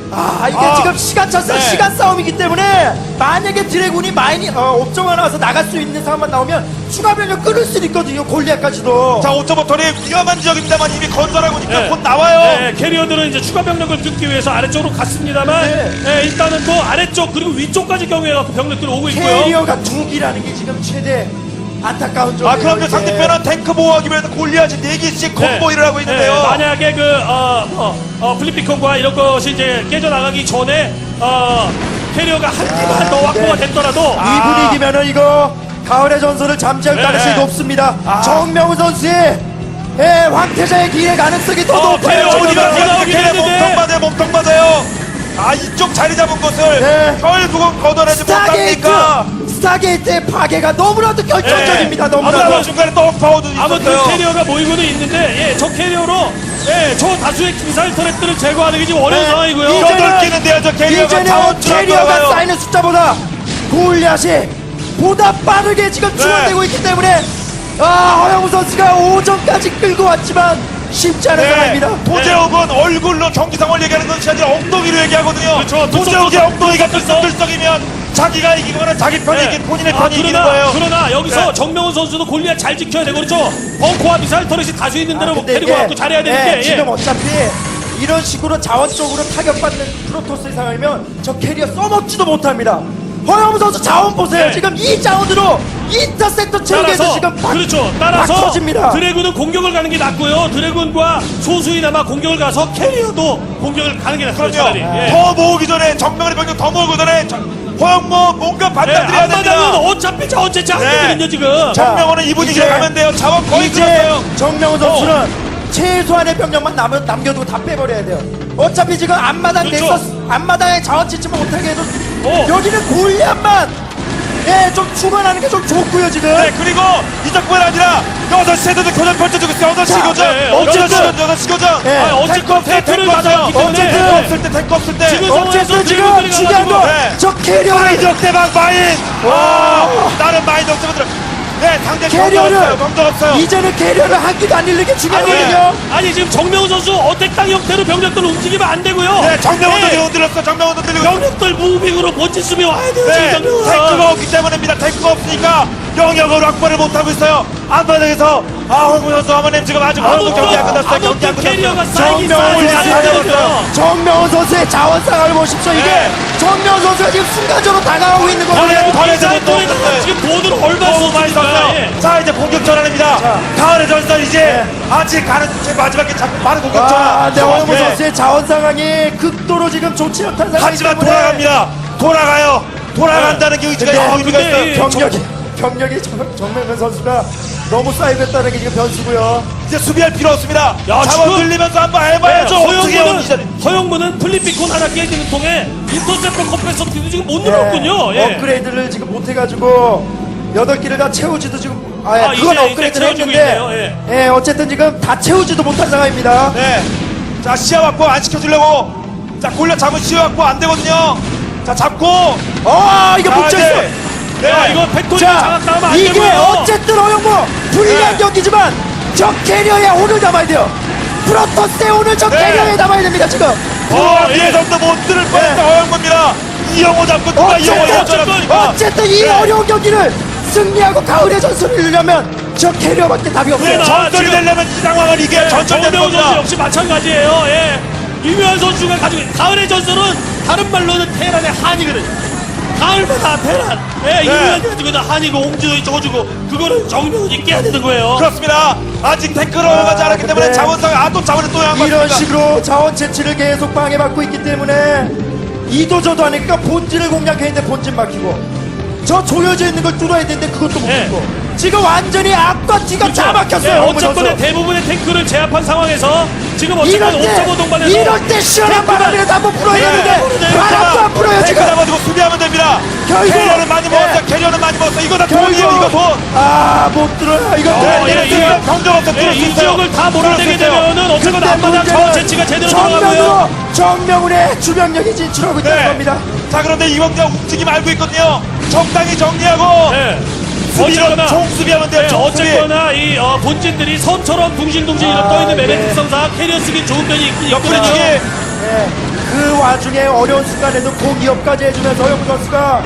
Speaker 2: 아 이게
Speaker 1: 아,
Speaker 2: 지금 시간 차서
Speaker 1: 네.
Speaker 2: 시간 싸움이기 때문에 만약에 드래곤이 마인이 어, 옵저버가 나와서 나갈 수 있는 상황만 나오면 추가 변력 끊을 수 있거든요. 골리앗까지도.
Speaker 1: 자, 오토버터리 위험한 지역입니다만 이미 건설하고 있으니까
Speaker 3: 네.
Speaker 1: 곧 나와요.
Speaker 3: 네, 캐리어들은 이제 추가 병력을 끊기 위해서 아래쪽으로 갔습니다만
Speaker 2: 네.
Speaker 3: 네, 일단은 또 아래쪽 그리고 위쪽까지 경유해갖고 병력들이 오고 있고요.
Speaker 2: 캐리어가 두 기라는 게 지금 최대 안타까운 점이에요.
Speaker 1: 아, 그럼요.
Speaker 2: 이게.
Speaker 1: 상대편은 탱크 보호하기 위해서 골리앗이 네 개씩
Speaker 3: 네.
Speaker 1: 콤보일을 하고 있는데요.
Speaker 3: 네, 만약에 그 어, 어, 어, 플리피콘과 이런 것이 이제 깨져나가기 전에 어, 캐리어가 한 개만 더 확보가
Speaker 2: 네.
Speaker 3: 됐더라도
Speaker 2: 이
Speaker 1: 아.
Speaker 2: 분위기면은 이거 가을의 전설을 잠재울
Speaker 3: 네.
Speaker 2: 가능성이 높습니다.
Speaker 1: 아.
Speaker 2: 정명훈 선수의 예, 황태자의 기회 가능성이 더
Speaker 3: 어,
Speaker 2: 높아요.
Speaker 3: 캐리어
Speaker 2: 지금은.
Speaker 3: 어디가
Speaker 1: 어디가
Speaker 3: 나오긴
Speaker 1: 걔네
Speaker 3: 했는데.
Speaker 1: 몸통 맞아요. 몸통 맞아요. 아, 이쪽 자리 잡은 것을
Speaker 2: 네.
Speaker 1: 결국은 걷어내지
Speaker 2: 스타게이트
Speaker 1: 못합니까?
Speaker 2: 스타게이트의 파괴가 너무나도 결정적입니다.
Speaker 3: 네.
Speaker 2: 너무나도.
Speaker 1: 아무튼 중간에 또 파워도
Speaker 3: 아무튼
Speaker 1: 있었어요.
Speaker 3: 캐리어가 모이고는 있는데 예, 저 캐리어로 예, 저 다수의 미사일 터렛들을 제거하는 게 지금 어려운
Speaker 2: 네.
Speaker 3: 상황이고요.
Speaker 2: 이제-
Speaker 1: 여덟 개는데요. 저 캐리어가
Speaker 2: 이제는
Speaker 1: 자원줄 안
Speaker 2: 캐리어가
Speaker 1: 들어가요.
Speaker 2: 쌓이는 숫자보다 골리앗이 보다 빠르게 지금
Speaker 1: 네.
Speaker 2: 추가되고 있기 때문에 아 허영우 선수가 오전까지 끌고 왔지만 쉽지 않은
Speaker 1: 네.
Speaker 2: 상황입니다.
Speaker 1: 도재욱은 얼굴로 경기 상황을 얘기하는 것이 아니라 엉덩이로 얘기하거든요.
Speaker 3: 그렇죠.
Speaker 1: 도재욱의
Speaker 3: 들썩,
Speaker 1: 엉덩이가
Speaker 3: 들썩.
Speaker 1: 들썩들썩이면 자기가 이기거나 자기 편이
Speaker 3: 네.
Speaker 1: 이긴 본인의
Speaker 3: 아,
Speaker 1: 편이 이기는
Speaker 3: 그러나,
Speaker 1: 거예요.
Speaker 3: 그러나 여기서
Speaker 1: 네.
Speaker 3: 정명훈 선수도 골리앗 잘 지켜야 되고 그렇죠. 벙커와 미사일 터렛이 다수 있는 데로
Speaker 2: 근데
Speaker 3: 데리고
Speaker 2: 이게,
Speaker 3: 갖고 잘해야 되는데
Speaker 2: 네,
Speaker 3: 예.
Speaker 2: 지금 어차피 이런 식으로 자원적으로 타격받는 프로토스의 상황이면 저 캐리어 써먹지도 못합니다. 허영우 선수 자원 보세요.
Speaker 3: 네.
Speaker 2: 지금 이 자원으로 인터셉터 체육에서
Speaker 3: 따라서
Speaker 2: 지금 막,
Speaker 3: 그렇죠.
Speaker 2: 막
Speaker 3: 따라서
Speaker 2: 터집니다.
Speaker 3: 드래곤은 공격을 가는 게 낫고요. 드래곤과 소수이나마 공격을 가서 캐리어도 공격을 가는 게 낫습니다. 차라리.
Speaker 1: 그럼요.
Speaker 3: 예.
Speaker 1: 더 모으기 전에 정명의 병력 더 모으기 전에 허영모 뭔가
Speaker 3: 예,
Speaker 1: 받아들여야
Speaker 3: 앞마당은
Speaker 1: 됩니다.
Speaker 3: 어차피 저 어째 안
Speaker 1: 네.
Speaker 3: 되거든요 지금.
Speaker 2: 자,
Speaker 1: 정명호는 이 분위기로
Speaker 2: 이제-
Speaker 1: 가면 돼요. 자원 거의
Speaker 2: 이제
Speaker 1: 끊었어요.
Speaker 2: 정명훈 선수는 최소한의 병력만 남, 남겨두고 다 빼버려야 돼요. 어차피 지금 앞마당
Speaker 3: 그렇죠.
Speaker 2: 넥서스 앞마당에 자원 채취만 못하게 해도
Speaker 3: 어.
Speaker 2: 여기는 골리앗만 예, 좀 추가하는 게 좀 좋고요 지금.
Speaker 1: 네, 그리고 이적뿐 아니라 여섯 시에도 교전 펼쳐주고 있어요. 여섯 시
Speaker 2: 자,
Speaker 1: 교전.
Speaker 3: 네,
Speaker 1: 여섯 시
Speaker 3: 어쨌든-
Speaker 1: 교전, 여섯 시 교전.
Speaker 2: 네.
Speaker 3: 아, 어쨌든
Speaker 1: 탱크 없을 때
Speaker 3: 탱크를
Speaker 1: 탱크 없어요.
Speaker 3: 맞았기 때문에
Speaker 2: 어쨌든
Speaker 1: 탱크 없을 때 탱크 없을 때.
Speaker 3: 지금
Speaker 2: 어쨌든
Speaker 3: 상황에서
Speaker 2: 지금
Speaker 3: 드래곤들이
Speaker 2: 중요한 거
Speaker 3: 가가지고,
Speaker 1: 네.
Speaker 2: 저 캐리어를
Speaker 1: 마인 대박 마인. 와, 다른 마인 없으면 들어. 네, 상대 병력 없어요.
Speaker 2: 캐리어를
Speaker 1: 병력 없어요.
Speaker 2: 이제는 캐리어를 한 기도 안 잃는 게
Speaker 3: 아니,
Speaker 2: 중요하거든요.
Speaker 3: 아니 지금 정명훈 선수 어택당 형태로 병력들 움직이면 안 되고요.
Speaker 1: 네, 정명훈도
Speaker 3: 네,
Speaker 1: 흔들렸어. 정명훈도 흔들리고.
Speaker 3: 병력들 무빙으로 멋진 수비 와야 돼요.
Speaker 1: 네,
Speaker 3: 지금 정명훈.
Speaker 1: 탱크가 없기 때문입니다. 탱크가 없으니까 영역으로 확보를 못하고 있어요. 앞바닥에서 아 홍구 선수 어머님 지금 아직 어느 경기 안 끝났어요. 경기 안
Speaker 3: 아무튼 캐리어가
Speaker 1: 끝났어요.
Speaker 3: 쌓이긴
Speaker 2: 정명훈
Speaker 3: 쌓여요.
Speaker 2: 선수, 정명훈 선수의 자원상을 보십시오. 이게
Speaker 1: 네.
Speaker 2: 정명훈 선수가 지금 순간적으로 다가가고 있는 거거든요.
Speaker 1: 네. 번에
Speaker 3: 사이트에다가 지금 돈을 얼마
Speaker 1: 너무 많이
Speaker 3: 썼습니까?
Speaker 1: 썼어요.
Speaker 3: 예.
Speaker 1: 자 이제 공격 전환입니다.
Speaker 2: 자.
Speaker 1: 가을의 전설 이제
Speaker 2: 네.
Speaker 1: 아직 가는 제 마지막에 자꾸 빠른 공격
Speaker 2: 와,
Speaker 1: 전환.
Speaker 2: 네, 허영무
Speaker 1: 네.
Speaker 2: 선수의 자원 상황이 극도로 지금 좋지 않다는 상황이기
Speaker 1: 하지만
Speaker 2: 때문에
Speaker 1: 돌아갑니다. 돌아가요. 돌아간다는 게 의지가
Speaker 2: 근데-
Speaker 1: 의미가
Speaker 3: 근데
Speaker 1: 있어요.
Speaker 3: 이
Speaker 2: 병력이 병력이 정- 정명훈 선수가 너무 쌓이고 있다는 게 지금 변수고요.
Speaker 1: 이제 수비할 필요 없습니다.
Speaker 3: 야,
Speaker 1: 잡아
Speaker 3: 지금-
Speaker 1: 들리면서 한번
Speaker 3: 네,
Speaker 1: 해봐야죠. 어떻게
Speaker 3: 허영무는
Speaker 1: 오니
Speaker 3: 허영무는 플립비콘 하나 깨지는 통에 인터셉터 컴프레서티도 지금 못
Speaker 2: 네,
Speaker 3: 눌렀군요. 예.
Speaker 2: 업그레이드를 지금 못 해가지고 여덟 개를 다 채우지도 지금 아,
Speaker 3: 아,
Speaker 2: 그건
Speaker 3: 이제-
Speaker 2: 업그레이드를
Speaker 3: 이제 채워지고
Speaker 2: 했는데
Speaker 3: 있네요.
Speaker 2: 예, 어쨌든 지금 다 채우지도 못한 상황입니다.
Speaker 1: 네. 자 시야 확보 안 시켜주려고. 자 골려 잡은 시야 확보 안 되거든요. 자 잡고.
Speaker 2: 아, 이거
Speaker 1: 자,
Speaker 2: 못 쳤어.
Speaker 1: 이제- 네.
Speaker 3: 야, 이거 팩토리
Speaker 2: 자,
Speaker 3: 장악당하면 안
Speaker 2: 이게
Speaker 3: 되고요.
Speaker 2: 어쨌든 허영무 불리한
Speaker 1: 네.
Speaker 2: 경기지만 저 캐리어에 오늘 잡아야 돼요. 프로토스에 오늘 저
Speaker 1: 네.
Speaker 2: 캐리어에 잡아야 됩니다 지금.
Speaker 1: 어,
Speaker 3: 예.
Speaker 1: 예선도 못 들을 뻔했다
Speaker 2: 네.
Speaker 1: 허영무입니다. 이영호 잡고 누가 이영호
Speaker 2: 어쨌든,
Speaker 1: 잡습니까?
Speaker 2: 어쨌든 이
Speaker 1: 네.
Speaker 2: 어려운 경기를 승리하고 가을의 전설을 이루려면 저 캐리어밖에 답이 없어요.
Speaker 3: 네,
Speaker 1: 전설이
Speaker 3: 지금-
Speaker 1: 되려면 이 상황을 이겨야 전설되는
Speaker 3: 정대호 선수
Speaker 1: 겁니다.
Speaker 3: 역시 마찬가지예요. 예. 유명한 선수가 가지고 있는 가을의 전설은 다른 말로는 테란의 한이거든요. 가을마다 테란. 예, 유명한 가지고 있는 한이고 홍진호이 저거주고 그거를 정명훈이 깨야 되는 거예요.
Speaker 1: 그렇습니다. 아직 탱크로 가지 않았기
Speaker 2: 근데
Speaker 1: 때문에 자원상 아또 자원을 또 양보합니다.
Speaker 2: 이런 식으로 자원 채취를 계속 방해받고 있기 때문에 이도저도 하니까 본진을 공략했는데 본진 막히고 저 조여져 있는 걸 뚫어야 되는데 그것도 못
Speaker 3: 네.
Speaker 2: 뚫고 지금 완전히 앞과 뒤가 다 막혔어요.
Speaker 3: 예,
Speaker 2: 홍문
Speaker 3: 어쨌거나
Speaker 2: 선수.
Speaker 3: 대부분의 탱크를 제압한 상황에서 지금 어쨌거나
Speaker 2: 이럴
Speaker 3: 오 점 오
Speaker 2: 때
Speaker 3: 동반에서
Speaker 2: 이럴 때 시원한 바람이라도 한번 불어야
Speaker 1: 네.
Speaker 2: 되는데 바람도 안 불어요
Speaker 1: 탱크
Speaker 2: 지금.
Speaker 1: 잡아주고 수비하면 됩니다.
Speaker 2: 결국-
Speaker 1: 캐리어는 많이
Speaker 2: 네.
Speaker 1: 먹었어. 캐리어는 많이 먹었어. 이거 다 돈이에요. 이거
Speaker 2: 결국
Speaker 1: 돈.
Speaker 2: 아못 들어요. 이거
Speaker 1: 네,
Speaker 2: 뚫어야
Speaker 3: 예,
Speaker 2: 되는데
Speaker 3: 이거
Speaker 1: 경정 없어.
Speaker 3: 예,
Speaker 1: 뚫을 수
Speaker 3: 이
Speaker 1: 있어요.
Speaker 3: 지역을 다 몰아내게
Speaker 1: 뚫을 수 있어요.
Speaker 3: 되면은 어쨌거나
Speaker 2: 근데
Speaker 3: 앞마당
Speaker 2: 문제는
Speaker 3: 자원 채취가 제대로 들어가고요.
Speaker 2: 정명으로 정명훈의 주병력이 진출하고 있다는
Speaker 1: 네.
Speaker 2: 겁니다.
Speaker 1: 자 그런데 이광장 움직임 알고 있거든요. 적당히 정리하고
Speaker 3: 예.
Speaker 1: 수비로
Speaker 3: 어쨌거나
Speaker 1: 총수비하면 돼요.
Speaker 3: 네,
Speaker 1: 총수비.
Speaker 3: 어쨌거나 이 어, 본진들이 섬처럼 둥실둥실
Speaker 2: 아,
Speaker 3: 떠있는 맵의
Speaker 2: 네.
Speaker 3: 특성상 캐리어 쓰기 좋은 면이 있긴
Speaker 1: 옆구리
Speaker 3: 있거든요.
Speaker 1: 치기.
Speaker 2: 예, 그 와중에 어려운 순간에도 공기업까지 해주면서 허영무 선수가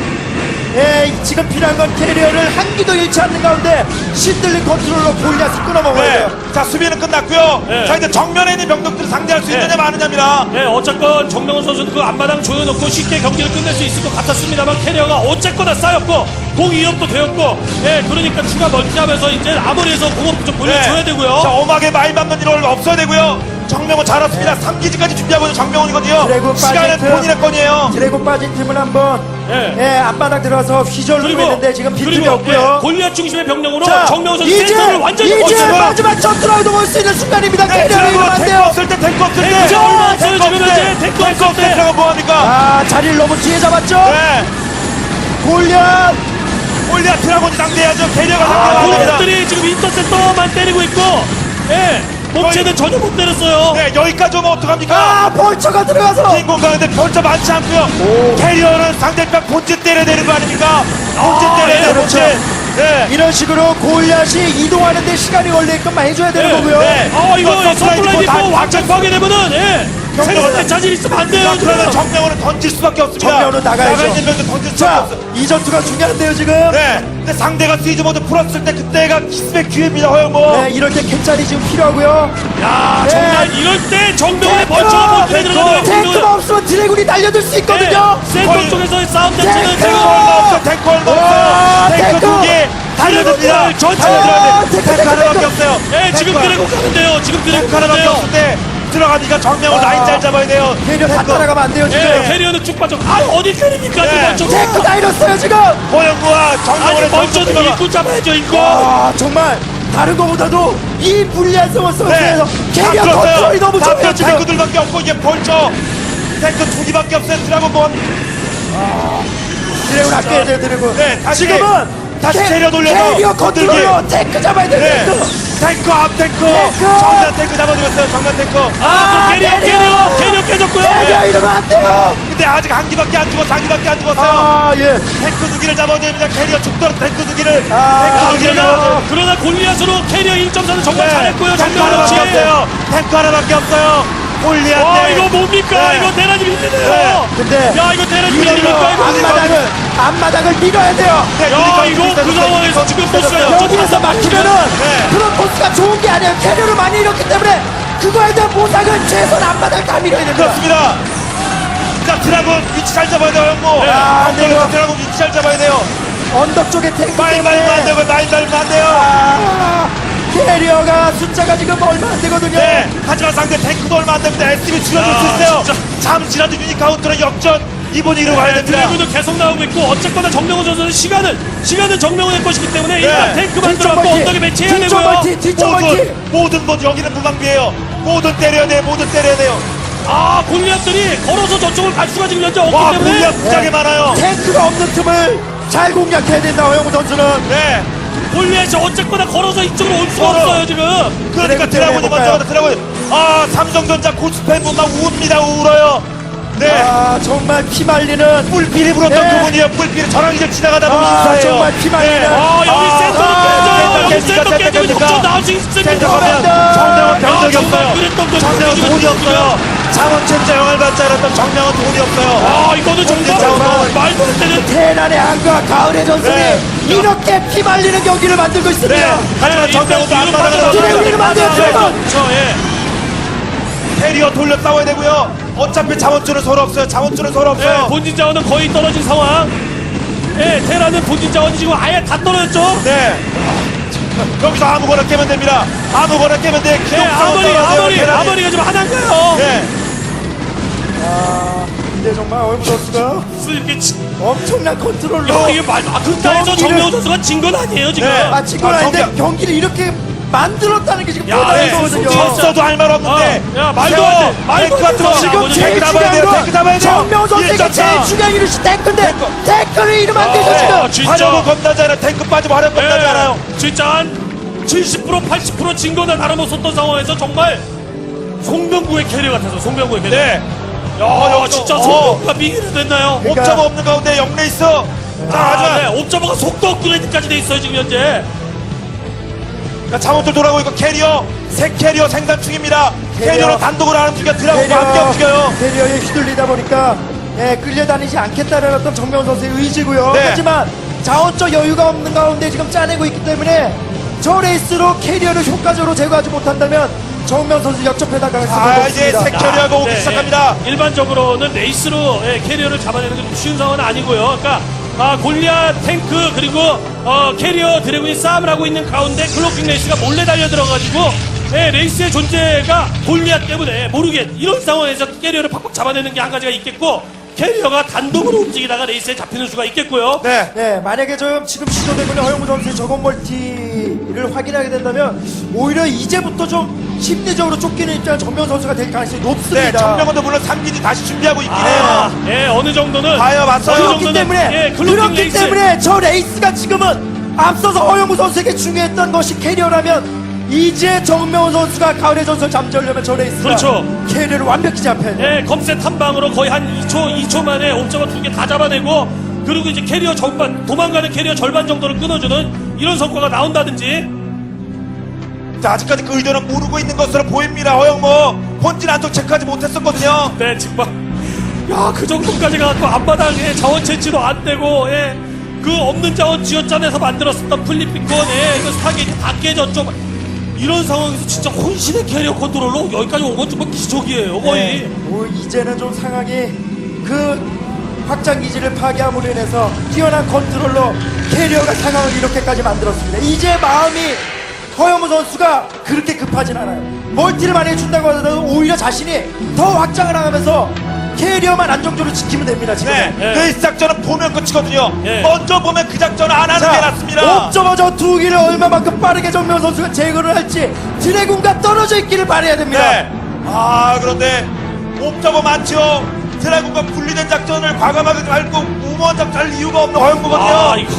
Speaker 2: 예, 지금 필요한 건 캐리어를 한 기도 잃지 않는 가운데 신들린 컨트롤로 골리앗을 끊어먹어야
Speaker 1: 네.
Speaker 2: 돼요.
Speaker 1: 자 수비는 끝났고요.
Speaker 3: 네.
Speaker 1: 자 이제 정면에 있는 병력들을 상대할 수
Speaker 3: 네.
Speaker 1: 있느냐 마느냐입니다.
Speaker 3: 네, 어쨌건 정명훈 선수는 그 앞마당 조여놓고 쉽게 경기를 끝낼 수 있을 것 같았습니다만 캐리어가 어쨌거나 쌓였고 공 이업도 되었고 예, 그러니까 추가 멀티하면서 이제 아무리해서 공업 좀 돌려줘야
Speaker 1: 네.
Speaker 3: 되고요.
Speaker 1: 자 오막에 많이 맞는 일 없어야 되고요. 정명훈 잘했습니다. 삼 기지까지 준비하고 있는 정명훈이거든요.
Speaker 2: 드래곤
Speaker 1: 시간은
Speaker 2: 빠진 틈.
Speaker 1: 본인의 건이에요.
Speaker 2: 드래곤 빠진 팀은 한번
Speaker 3: 네.
Speaker 2: 예, 앞바닥 들어가서 휘저을
Speaker 3: 그리고
Speaker 2: 누르는데 지금 빈틈이
Speaker 3: 그리고,
Speaker 2: 없고요.
Speaker 3: 예, 골리앗 중심의 병력으로
Speaker 2: 자,
Speaker 3: 정명훈 선수
Speaker 2: 이제
Speaker 3: 센터를 완전히
Speaker 2: 이제
Speaker 3: 거쳐서
Speaker 2: 마지막 전투라도 볼 수 있는 순간입니다.
Speaker 1: 네,
Speaker 2: 캐리어를
Speaker 1: 드래곤
Speaker 2: 이러면 안
Speaker 1: 탱크
Speaker 2: 돼요.
Speaker 1: 없을 때 탱크 없을 때
Speaker 3: 탱크 얼마 없어요,
Speaker 1: 탱크
Speaker 3: 지금
Speaker 1: 없을 때.
Speaker 3: 현재. 탱크
Speaker 1: 탱크
Speaker 3: 없을
Speaker 1: 없을 때
Speaker 3: 때.
Speaker 1: 들어가 뭐합니까?
Speaker 2: 아, 자리를 너무 뒤에 잡았죠?
Speaker 1: 네.
Speaker 2: 골리앗
Speaker 1: 골리앗 드라곤이 상대해야죠. 캐리어가
Speaker 3: 아,
Speaker 1: 상대해야 됩니다.
Speaker 3: 골리앗들이 지금 인터셉터만 때리고 있고 예, 몸체는 전혀 못 때렸어요.
Speaker 1: 네, 여기까지 오면 어떡합니까?
Speaker 2: 아, 벌처가 들어가서
Speaker 1: 빈 공간인데 별점 많지 않고요.
Speaker 2: 오.
Speaker 1: 캐리어는 상대편 본진 때려야 되는 거 아닙니까? 본진
Speaker 3: 아,
Speaker 1: 때려야
Speaker 3: 예,
Speaker 1: 돼요,
Speaker 2: 그렇죠.
Speaker 1: 본진. 네.
Speaker 2: 이런 식으로 골리앗이 이동하는데 시간이 걸리게끔만 해줘야 되는
Speaker 3: 네,
Speaker 2: 거고요.
Speaker 1: 네.
Speaker 3: 아, 이거
Speaker 1: 서플라이
Speaker 3: 서플라이
Speaker 1: 디포 다
Speaker 3: 디포 왕창 파괴되면은 예, 생각할 자질 있으면 안 돼요.
Speaker 1: 자, 그러면
Speaker 3: 지금.
Speaker 1: 정명훈은 던질 수밖에 없습니다.
Speaker 2: 정명훈은 나가야죠.
Speaker 1: 나가 있는 병도 던질 수밖에
Speaker 2: 자,
Speaker 1: 없어요.
Speaker 2: 이 전투가 중요한데요, 지금.
Speaker 1: 네. 근데 상대가 시즈 모드 풀었을 때 그때가 기습의 기회입니다, 허영모.
Speaker 2: 네, 이럴 때 캔짤이 지금 필요하고요.
Speaker 3: 야,
Speaker 2: 네.
Speaker 3: 정말 이럴 때 정명훈의
Speaker 2: 탱크!
Speaker 3: 벌처가 버튼에
Speaker 1: 탱크!
Speaker 3: 들어가는
Speaker 2: 탱크가 없으면 드래곤이 달려들 수 있거든요.
Speaker 3: 네, 센터 쪽에서의 싸움 자체는
Speaker 2: 탱크!
Speaker 3: 지금
Speaker 1: 얼마 없어, 탱크 얼마
Speaker 2: 와,
Speaker 1: 없어요. 탱크
Speaker 2: 탱크!
Speaker 1: 두 개 달려듭니다.
Speaker 3: 탱크 전체
Speaker 1: 달려들어야 돼.
Speaker 2: 아, 탱크,
Speaker 1: 탱크
Speaker 2: 탱크,
Speaker 1: 하나밖에
Speaker 2: 탱크.
Speaker 1: 없어요.
Speaker 3: 예, 지금
Speaker 1: 탱크
Speaker 3: 드래곤 가는데요. 지금 드래곤
Speaker 1: 탱크 하나밖에
Speaker 3: 가는데요.
Speaker 1: 없는데 들어가니까 정명훈
Speaker 2: 아.
Speaker 1: 라인 잘 잡아야 돼요.
Speaker 2: 캐리어 다
Speaker 1: 탱크.
Speaker 2: 따라가면 안 돼요, 지금.
Speaker 3: 예, 캐리어는 쭉 빠져. 아, 어디 캐리입니까?
Speaker 1: 네.
Speaker 3: 지금
Speaker 2: 탱크 다 잃었어요, 지금.
Speaker 1: 허영무와
Speaker 3: 아니,
Speaker 1: 정명훈의
Speaker 3: 먼저
Speaker 1: 벌처
Speaker 3: 일꾼 잡아야죠, 일꾼.
Speaker 2: 아, 정말 다른 거보다도 이 불리한 상황 속에서 캐리어
Speaker 1: 다
Speaker 2: 컨트롤이 너무
Speaker 1: 다
Speaker 2: 좋아요, 지금.
Speaker 1: 탱크들밖에 없고 이게 벌처 탱크 두 개밖에 없어요. 드라곤 본.
Speaker 2: 드래곤 아껴야 돼요, 드래곤.
Speaker 1: 네, 다시
Speaker 2: 지금은
Speaker 1: 다시
Speaker 2: 캐-
Speaker 1: 캐리어 돌려서
Speaker 2: 캐리어
Speaker 1: 건들기.
Speaker 2: 컨트롤로 탱크 잡아야 돼요,
Speaker 1: 네.
Speaker 2: 탱크.
Speaker 1: 탱크 앞 탱크.
Speaker 2: 탱크.
Speaker 1: 정면 탱크 잡아주겠어요. 정면 탱크.
Speaker 3: 아,
Speaker 2: 아,
Speaker 3: 그 캐리어,
Speaker 2: 캐리어.
Speaker 3: 캐리어, 캐리어 깨졌고요.
Speaker 2: 캐리어
Speaker 3: 예.
Speaker 2: 이러면 안 돼요.
Speaker 1: 근데 아직 한 기밖에 안 죽었어. 한 기밖에 안 죽었어요.
Speaker 2: 아, 예.
Speaker 1: 탱크 두 개를 잡아야 됩니다. 캐리어 죽도록 탱크 두 개를.
Speaker 2: 아,
Speaker 1: 탱크 두 개를
Speaker 2: 그래요.
Speaker 1: 잡아야
Speaker 3: 그러나 골리앗으로 캐리어 일 점 사는 정말 잘했고요.
Speaker 1: 탱크
Speaker 3: 정명훈
Speaker 1: 하나밖에
Speaker 3: 씨.
Speaker 1: 없어요. 탱크 하나밖에 없어요. 골리앗.
Speaker 3: 와,
Speaker 1: 네.
Speaker 3: 이거 뭡니까?
Speaker 1: 네.
Speaker 3: 이거 대란이 힘드네요.
Speaker 1: 네.
Speaker 2: 근데
Speaker 3: 야, 이거 테란
Speaker 2: 이걸로
Speaker 3: 밀리니까
Speaker 2: 앞마당을 앞마당을 밀어야 돼요.
Speaker 1: 네,
Speaker 3: 야
Speaker 1: 그러니까
Speaker 3: 이거 그
Speaker 1: 그러니까
Speaker 3: 상황에서 지금 보스가
Speaker 2: 여기에서 막히면은
Speaker 1: 네.
Speaker 2: 프로토스가 좋은 게 아니에요. 캐리어를 많이 잃었기 때문에 그거에 대한 보상은 최소한 앞마당 다 밀어야 됩니다.
Speaker 1: 그렇습니다. 자, 드라군 위치 잘 잡아야 돼요, 형모.
Speaker 2: 네. 아, 네, 이거.
Speaker 1: 드라군 위치 잘 잡아야 돼요.
Speaker 2: 언덕 쪽에 탱크
Speaker 1: 많이 말면 안
Speaker 2: 때문에
Speaker 1: 되고, 많이 말면 안 돼요.
Speaker 2: 아, 캐리어가 숫자가 지금 얼마 안 되거든요.
Speaker 1: 네, 하지만 상대 탱크도 얼마 안 되는데 에스티비 줄여줄 수
Speaker 3: 야,
Speaker 1: 있어요.
Speaker 3: 진짜.
Speaker 1: 잠시라도 유니카운트로 역전 이 분위기로 가야 됩니다.
Speaker 3: 드래곤도 계속 나오고 있고 어쨌거나 정명훈 선수는 시간을 시간은 정명훈의 것이기 때문에 일단 탱크
Speaker 2: 뒤쪽
Speaker 3: 만들어갖고
Speaker 2: 멀티,
Speaker 3: 언덕에 매치해야
Speaker 2: 뒤쪽
Speaker 3: 되고요.
Speaker 2: 멀티, 뒤쪽 멀티.
Speaker 1: 모든 모든 것 여기는 무방비예요. 모든 때려야 돼요. 모든 때려야 돼요.
Speaker 3: 아 골리앗들이 걸어서 저쪽을 갈 수가 지금 현재 없기
Speaker 1: 와,
Speaker 3: 때문에
Speaker 1: 골리앗 무지하게 많아요.
Speaker 2: 탱크가 없는 틈을 잘 공략해야 된다. 허영우 선수는.
Speaker 1: 네,
Speaker 3: 골리앗이 어쨌거나 걸어서 이쪽으로 올 수가
Speaker 1: 걸어.
Speaker 3: 없어요 지금.
Speaker 1: 그러니까
Speaker 2: 드래곤
Speaker 1: 드라군이
Speaker 2: 때문에
Speaker 1: 먼저 가다 드라군. 아, 삼성전자 고스팬 막 우웁니다. 울어요. 네,
Speaker 2: 아 정말 피말리는
Speaker 1: 뿔필이 불었던
Speaker 2: 네.
Speaker 1: 그분이에요. 뿔필이 저랑 이제 지나가다 보면
Speaker 2: 아
Speaker 1: 인사해요.
Speaker 2: 정말 피말리는
Speaker 1: 네.
Speaker 3: 아 여기
Speaker 1: 아,
Speaker 3: 센터도
Speaker 1: 아,
Speaker 3: 깨져요. 여기
Speaker 1: 깼습니까?
Speaker 3: 센터 깨지면
Speaker 1: 깼습니까?
Speaker 3: 역전 나올 수 있습니다.
Speaker 1: 생각하면
Speaker 2: 깼습니다.
Speaker 1: 정명은 병력이
Speaker 3: 야, 정말
Speaker 1: 없어요.
Speaker 3: 그랬던 거
Speaker 1: 정명은
Speaker 3: 지금
Speaker 1: 돈이
Speaker 3: 지금
Speaker 1: 없어요. 자원 진짜 영을 받지 않았던 정명은 돈이 없어요.
Speaker 3: 아 이거는 정말
Speaker 1: 정말.
Speaker 3: 말도 안 되는.
Speaker 2: 테란의 한과 가을의 전술이
Speaker 1: 네.
Speaker 2: 이렇게 피말리는 경기를 만들고 있습니다.
Speaker 1: 네, 하지만
Speaker 3: 네,
Speaker 1: 정명은도
Speaker 3: 일단
Speaker 1: 안
Speaker 3: 뒤로
Speaker 1: 나가는
Speaker 3: 빠져나가요.
Speaker 2: 드래곤이 만들어요, 드래곤.
Speaker 3: 그렇죠, 예.
Speaker 1: 캐리어 돌려 싸워야 되고요. 어차피 자원줄은 서로 없어요. 자원줄은 서로
Speaker 3: 예,
Speaker 1: 없어요.
Speaker 3: 본진 자원은 거의 떨어진 상황. 예, 테라는 본진 자원이 지금 아예 다 떨어졌죠.
Speaker 1: 네. 여기서 아무거나 깨면 됩니다. 아무거나 깨면 돼.
Speaker 3: 예,
Speaker 1: 기록
Speaker 3: 아머리, 아머리, 아머리가 지금 하나인가요?
Speaker 1: 네.
Speaker 2: 아 근데 정말 허영우 선수가
Speaker 3: 이렇게 치-
Speaker 2: 엄청난 컨트롤로
Speaker 3: 야, 이게 말, 아, 그 땅에서
Speaker 2: 경기를-
Speaker 3: 정명훈 선수가 진 건 아니에요, 지금.
Speaker 1: 네.
Speaker 2: 아 친구는
Speaker 1: 아,
Speaker 2: 아닌데
Speaker 1: 경기-
Speaker 2: 경기를 이렇게 만들었다는 게 지금
Speaker 3: 야,
Speaker 2: 대단한
Speaker 3: 네.
Speaker 2: 거거든요.
Speaker 3: 진짜.
Speaker 1: 졌어도 할 말 없는데.
Speaker 3: 어, 야, 말도 안 돼. 말도
Speaker 1: 탱크가
Speaker 3: 안 돼.
Speaker 1: 들어와.
Speaker 3: 지금
Speaker 2: 지금 제일
Speaker 1: 탱크 잡아야
Speaker 2: 중요한
Speaker 1: 돼요.
Speaker 2: 건
Speaker 1: 탱크 잡아야 돼요.
Speaker 2: 정명훈 선수에게
Speaker 1: 일점차.
Speaker 2: 제일 중요한 이것이 탱크인데
Speaker 1: 탱크.
Speaker 2: 탱크를 잃으면 안 되죠
Speaker 3: 어,
Speaker 2: 지금.
Speaker 3: 진짜.
Speaker 1: 화력은 겁나지 않아요. 탱크 빠지면 화력 겁나지 않아요.
Speaker 3: 예, 진짜 한 칠십 퍼센트, 팔십 퍼센트 진 거나 다름없었던 상황에서 정말 송병구의 캐리 같아서, 송병구의 캐리.
Speaker 1: 네.
Speaker 3: 야,
Speaker 1: 어,
Speaker 3: 진짜
Speaker 1: 어.
Speaker 3: 송병구가 미기를 됐나요?
Speaker 2: 그러니까-
Speaker 1: 옵저버 없는 가운데 영레이스. 자,
Speaker 3: 아,
Speaker 1: 하지만
Speaker 3: 네, 옵저버가 속도 업그레이드까지 돼 있어요, 지금 현재.
Speaker 1: 자원줄 돌아오고 있고 캐리어 새 캐리어 생산 중입니다.
Speaker 2: 캐리어.
Speaker 1: 캐리어로 단독으로 하는 중이야. 드라곤과 함께 움직여요.
Speaker 2: 캐리어에 휘둘리다 보니까 예, 끌려다니지 않겠다는 어떤 정명훈 선수의 의지고요.
Speaker 1: 네.
Speaker 2: 하지만 자원적 여유가 없는 가운데 지금 짜내고 있기 때문에 저 레이스로 캐리어를 효과적으로 제거하지 못한다면 정명훈 선수 역전패 당할 수가
Speaker 1: 아, 이제
Speaker 2: 없습니다.
Speaker 1: 새 캐리어가 오기
Speaker 3: 네,
Speaker 1: 시작합니다.
Speaker 3: 예. 일반적으로는 레이스로 예, 캐리어를 잡아내는 게 좀 쉬운 상황은 아니고요. 그러니까 아, 골리앗 탱크 그리고 어, 캐리어 드래곤이 싸움을 하고 있는 가운데 클로킹 레이스가 몰래 달려들어가지고 예, 레이스의 존재가 골리앗 때문에 모르게 이런 상황에서 캐리어를 팍팍 잡아내는 게 한 가지가 있겠고 캐리어가 단독으로 움직이다가 레이스에 잡히는 수가 있겠고요.
Speaker 1: 네.
Speaker 2: 네, 만약에 좀 지금 시도되고 있는 허영무 선수의 저건 멀티를 확인하게 된다면 오히려 이제부터 좀 심리적으로 쫓기는 입장은 정명훈 선수가 될 가능성이 높습니다.
Speaker 1: 네, 정명원도 물론 삼 기지 다시 준비하고 있긴
Speaker 3: 아,
Speaker 1: 해요.
Speaker 3: 예, 어느 정도는
Speaker 1: 봐요, 맞아요.
Speaker 3: 어느
Speaker 2: 그렇기
Speaker 3: 정도는,
Speaker 2: 때문에
Speaker 3: 예, 클로킹
Speaker 2: 그렇기
Speaker 3: 레이스.
Speaker 2: 때문에 저 레이스가 지금은 앞서서 허영무 선수에게 중요했던 것이 캐리어라면 이제 정명훈 선수가 가을의 전설 잠재우려면 저 레이스가
Speaker 3: 그렇죠.
Speaker 2: 캐리어를 완벽히 잡혀야 돼요.
Speaker 3: 예, 검색 한 방으로 거의 한 이 초, 이 초 만에 옵저버 두 개 다 잡아내고 그리고 이제 캐리어 절반, 도망가는 캐리어 절반 정도를 끊어주는 이런 성과가 나온다든지.
Speaker 1: 자, 아직까지 그 의도는 모르고 있는 것으로 보입니다. 허영모 본진 안쪽 체크하지 못했었거든요.
Speaker 3: 네, 정말. 야, 그 정도까지 가고 앞바닥에 자원 채취도 안 되고, 예. 그 없는 자원 쥐어짜내서 만들었었던 플리피콘, 예. 이거 타겟이 다 깨졌죠. 이런 상황에서 진짜 혼신의 캐리어 컨트롤로 여기까지 온 건 정말 기적이에요, 거의.
Speaker 2: 네, 뭐 이제는 좀 상황이 그 확장 기지를 파괴함으로 인해서 뛰어난 컨트롤로 캐리어가 상황을 이렇게까지 만들었습니다. 이제 마음이 허영무 선수가 그렇게 급하진 않아요. 멀티를 많이 준다고 하더라도 오히려 자신이 더 확장을 하면서 캐리어만 안정적으로 지키면 됩니다. 지금.
Speaker 1: 네,
Speaker 3: 네.
Speaker 1: 그 작전은 보면 끝이거든요.
Speaker 3: 네.
Speaker 1: 먼저 보면 그 작전을 안 하는 게 낫습니다.
Speaker 2: 옵저버 저 두 기를 얼마만큼 빠르게 정명 선수가 제거를 할지 드래곤과 떨어져 있기를 바라야 됩니다.
Speaker 1: 네. 아, 그런데 옵저버 많죠. 드라군과 분리된 작전을 과감하게 말고 무모한 작전 할 이유가 없는 허영무거든요.
Speaker 3: 아, 이거.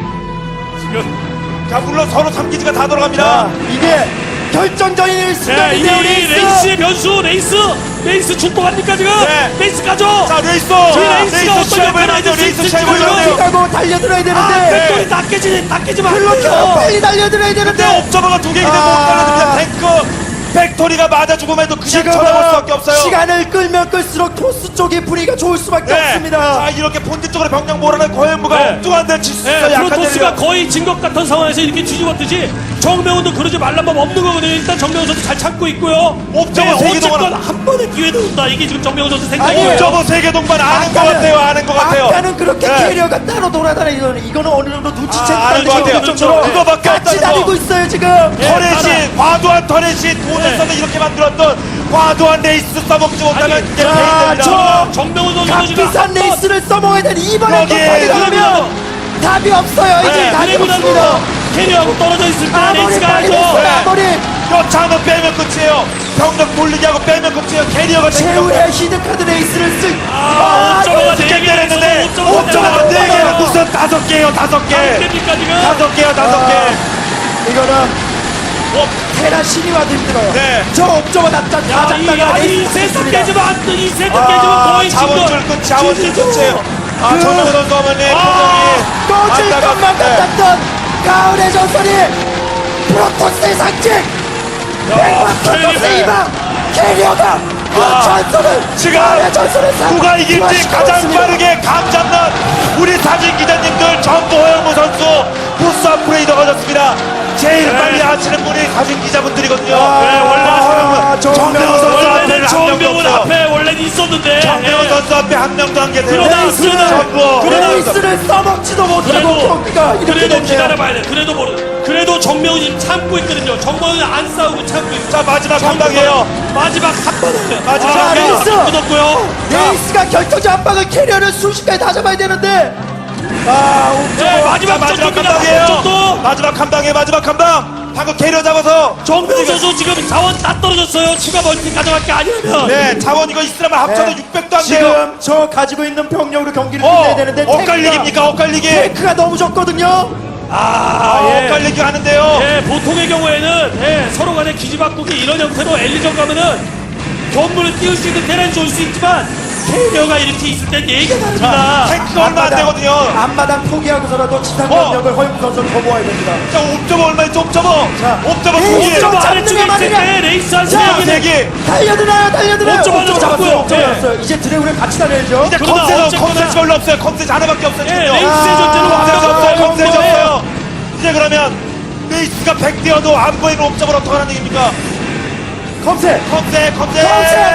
Speaker 3: 지금.
Speaker 1: 자, 물론 서로 삼 기지가 다
Speaker 2: 자,
Speaker 1: 돌아갑니다.
Speaker 2: 이게 결정적인
Speaker 3: 네, 이
Speaker 2: 순간인데요, 레이스.
Speaker 3: 레이스의 변수, 레이스. 레이스 출동합니까, 지금?
Speaker 1: 네.
Speaker 3: 레이스 가죠?
Speaker 1: 자, 레이스!
Speaker 3: 이 레이스가 어떤
Speaker 1: 시합을
Speaker 3: 역할을
Speaker 1: 해야 돼요.
Speaker 3: 할지
Speaker 1: 레이스
Speaker 3: 있을지
Speaker 1: 시합을 해야 돼요.
Speaker 2: 가고 달려들어야
Speaker 3: 아,
Speaker 2: 되는데
Speaker 3: 백돌이 다 깨지, 다 깨지면 안
Speaker 2: 그렇게
Speaker 3: 돼요.
Speaker 2: 빨리 달려들어야
Speaker 1: 근데
Speaker 2: 되는데
Speaker 1: 옵저버가 두 개이기 때문에
Speaker 2: 아.
Speaker 1: 못 따라듭니다. 탱크! 빅토리가 맞아 죽으면 해도 그냥
Speaker 2: 지금은
Speaker 1: 쳐다볼 수밖에 없어요.
Speaker 2: 시간을 끌면 끌수록 토스 쪽의 분위기가 좋을 수밖에
Speaker 1: 네.
Speaker 2: 없습니다.
Speaker 1: 자, 이렇게 본진 쪽으로 병력 몰아낸 고현무가
Speaker 3: 네.
Speaker 1: 엉뚱한 데를 칠수
Speaker 3: 예,
Speaker 1: 있어요. 약한
Speaker 3: 프로토스가
Speaker 1: 데를요.
Speaker 3: 거의 진 것 같은 상황에서 이렇게 뒤집었듯이 정명훈도 그러지 말란 법 없는 거거든요. 일단 정명훈 선수 잘 참고 있고요.
Speaker 1: 옵저버
Speaker 3: 네,
Speaker 1: 세계
Speaker 3: 어쨌건
Speaker 1: 동안-
Speaker 3: 한 번의 기회도 온다. 이게 지금 정명훈 선수
Speaker 2: 아니,
Speaker 3: 생각이에요.
Speaker 1: 저거 세계 동반 아는 것
Speaker 2: 아까는-
Speaker 1: 같아요. 아는 것 같아요.
Speaker 2: 아까는 그렇게
Speaker 1: 네.
Speaker 2: 캐리어가 따로 돌아다니는 이거는 어느 정도 눈치챘다는
Speaker 1: 아, 아는 것 같아요.
Speaker 2: 정도로
Speaker 1: 그거밖에
Speaker 2: 같이
Speaker 1: 없다는
Speaker 2: 다니고
Speaker 1: 거.
Speaker 2: 있어요 지금.
Speaker 1: 터렛이 과도한 터렛이 돈을
Speaker 3: 네.
Speaker 1: 써서 이렇게 만들었던 과도한 레이스 써먹지 못하면
Speaker 3: 아니,
Speaker 1: 이게
Speaker 2: 자,
Speaker 1: 페인입니다.
Speaker 2: 저-
Speaker 3: 정명훈 선수도 지금
Speaker 2: 값비싼
Speaker 3: 한 번-
Speaker 2: 레이스를 써먹어야 되는 이번에 또
Speaker 1: 거기에
Speaker 2: 파괴가 하면 답이 없어요. 이제
Speaker 1: 네,
Speaker 2: 답이
Speaker 3: 그래보다도
Speaker 2: 없습니다.
Speaker 3: 캐리어하고 떨어져 있을 때
Speaker 2: 아머리
Speaker 3: 레이스가
Speaker 2: 빨리
Speaker 3: 하죠.
Speaker 2: 됐어요.
Speaker 1: 네.
Speaker 2: 아머리
Speaker 1: 여차하면 빼면 끝이에요. 병력 돌리게 하고 빼면 끝이에요. 캐리어가
Speaker 2: 최후의 히든카드 레이스를 쓸.
Speaker 3: 아, 옥저버가
Speaker 2: 이거
Speaker 3: 네 개를
Speaker 1: 했는데
Speaker 3: 옥저버가
Speaker 1: 옥저버가
Speaker 3: 네
Speaker 1: 네
Speaker 3: 개를
Speaker 1: 개는 무슨 다섯 개요 다섯 개
Speaker 3: 됩니까 지금?
Speaker 1: 다섯 개요 다섯
Speaker 2: 아,
Speaker 1: 개
Speaker 2: 이거는
Speaker 1: 어,
Speaker 2: 테라 신이 와도 힘들어요.
Speaker 1: 네.
Speaker 2: 저 옥저버 납작 다
Speaker 3: 야, 이,
Speaker 2: 잡다가
Speaker 3: 아니, 이
Speaker 2: 레이스
Speaker 3: 세트
Speaker 2: 썼습니다.
Speaker 3: 깨지면 안 돼. 이 세트 깨지면
Speaker 1: 아,
Speaker 3: 거의
Speaker 1: 자원줄
Speaker 3: 진거.
Speaker 1: 끝 자원줄
Speaker 3: 진짜
Speaker 1: 끝이에요. 아
Speaker 2: 그-
Speaker 1: 정명훈 선수 어머니
Speaker 3: 아,
Speaker 2: 꺼질
Speaker 1: 안타깝-
Speaker 2: 것만
Speaker 1: 네.
Speaker 2: 같았던 가을의 전설이 프로토스의 상징 백만 프로토스의
Speaker 3: 캐리어.
Speaker 2: 희망 캐리어가 그
Speaker 1: 아,
Speaker 2: 전설을
Speaker 1: 지금
Speaker 2: 가을의 전설을 사-
Speaker 1: 누가 이길지
Speaker 2: 부활시키고
Speaker 1: 가장
Speaker 2: 있습니다.
Speaker 1: 빠르게 감 잡는 우리 사진 기자님들 전부 허영무 선수 부스 업그레이더 가졌습니다. 제일
Speaker 3: 네.
Speaker 1: 빨리 하시는 분이 사진 기자분들이거든요.
Speaker 2: 아,
Speaker 1: 네, 원래
Speaker 2: 아,
Speaker 1: 하시는 분 정명훈 선수
Speaker 3: 원래는
Speaker 1: 앞에는 한 명도
Speaker 3: 정명훈
Speaker 1: 없어요.
Speaker 3: 앞에 원래는 있었는데.
Speaker 1: 정명훈
Speaker 3: 예.
Speaker 1: 선수 앞에 한 명도 안 계세요.
Speaker 3: 그러나,
Speaker 2: 레이스를
Speaker 3: 그러나,
Speaker 1: 전부
Speaker 3: 그러나,
Speaker 2: 레이스를 써먹지도 못하고
Speaker 3: 그래도
Speaker 2: 경기가 이렇게
Speaker 3: 그래도
Speaker 2: 됐네요.
Speaker 3: 기다려봐야 돼. 그래도 모르. 그래도 정명훈이 참고 있거든요. 정명훈이 안 싸우고 참고 있어.
Speaker 1: 자 마지막 한 방이에요.
Speaker 3: 마지막 한 번을.
Speaker 1: 마지막
Speaker 3: 아,
Speaker 1: 한 방.
Speaker 3: 레이스 끊었고요.
Speaker 2: 레이스가 결정적 한 방을 캐리어를 순식간에 다 잡아야 되는데 아
Speaker 3: 네,
Speaker 2: 옥저버
Speaker 3: 마지막
Speaker 1: 마지막 한
Speaker 3: 전투입니다.
Speaker 1: 방이에요.
Speaker 3: 전투.
Speaker 1: 마지막 한 방에 마지막 한 방. 방금 캐리어 잡아서
Speaker 3: 정명훈 선수 지금 자원 다 떨어졌어요. 추가 멀티 가져갈 게 아니라면.
Speaker 1: 네 자원 이거 이스라엘 합쳐도
Speaker 2: 네.
Speaker 1: 육백도 안 돼요.
Speaker 2: 지금 저 가지고 있는 병력으로 경기를
Speaker 1: 어
Speaker 2: 끝내야 되는데
Speaker 1: 엇갈리기입니까 엇갈리기.
Speaker 2: 테크가 너무 적거든요.
Speaker 3: 아,
Speaker 1: 아,
Speaker 3: 예.
Speaker 1: 엇갈리기 하는데요.
Speaker 3: 예, 보통의 경우에는 예, 서로 간에 기지바꾸기 이런 형태로 엘리전 가면은 견물을 띄울 수 있는 테란이 좋을 수 있지만 캐리어가 이렇게 있을 땐 얘기가 다릅니다.
Speaker 1: 탱크가 얼마 안 되거든요.
Speaker 2: 앞마당 포기하고서라도 지상
Speaker 1: 어.
Speaker 2: 병력을 허용 선수를 거부해야 됩니다.
Speaker 1: 자, 옵저버 얼마 있죠? 옵저버.
Speaker 2: 자,
Speaker 1: 옵저버
Speaker 2: 네,
Speaker 1: 두 개.
Speaker 2: 옵저버.
Speaker 3: 옵저버
Speaker 2: 잡는
Speaker 3: 아래쪽에
Speaker 2: 게
Speaker 3: 있을
Speaker 2: 말이냐.
Speaker 3: 때 레이스 한
Speaker 2: 자,
Speaker 3: 세
Speaker 1: 세
Speaker 3: 개는
Speaker 1: 개.
Speaker 2: 달려드나요, 달려드나요.
Speaker 3: 옥저버 하나 잡고요.
Speaker 2: 옥저버
Speaker 3: 예.
Speaker 2: 잡았어요. 이제 드래곤을 같이 다녀야죠.
Speaker 1: 이제
Speaker 3: 그러나
Speaker 1: 컴셋은
Speaker 3: 어쨌거나-
Speaker 1: 컴셋이 별로 없어요. 컴셋이 하나밖에 없어요.
Speaker 3: 예,
Speaker 1: 지금요.
Speaker 3: 레이스의 존재는
Speaker 2: 아,
Speaker 1: 컴셋이 없어요.
Speaker 3: 완전히
Speaker 1: 컴셋이
Speaker 3: 없어요.
Speaker 1: 없어요. 이제 그러면 레이스가 백 대여도 안 보이는 옵저버를 어떻게 하는 얘기입니까?
Speaker 2: 컴셋.
Speaker 1: 컴셋, 컴셋.
Speaker 2: 컴셋!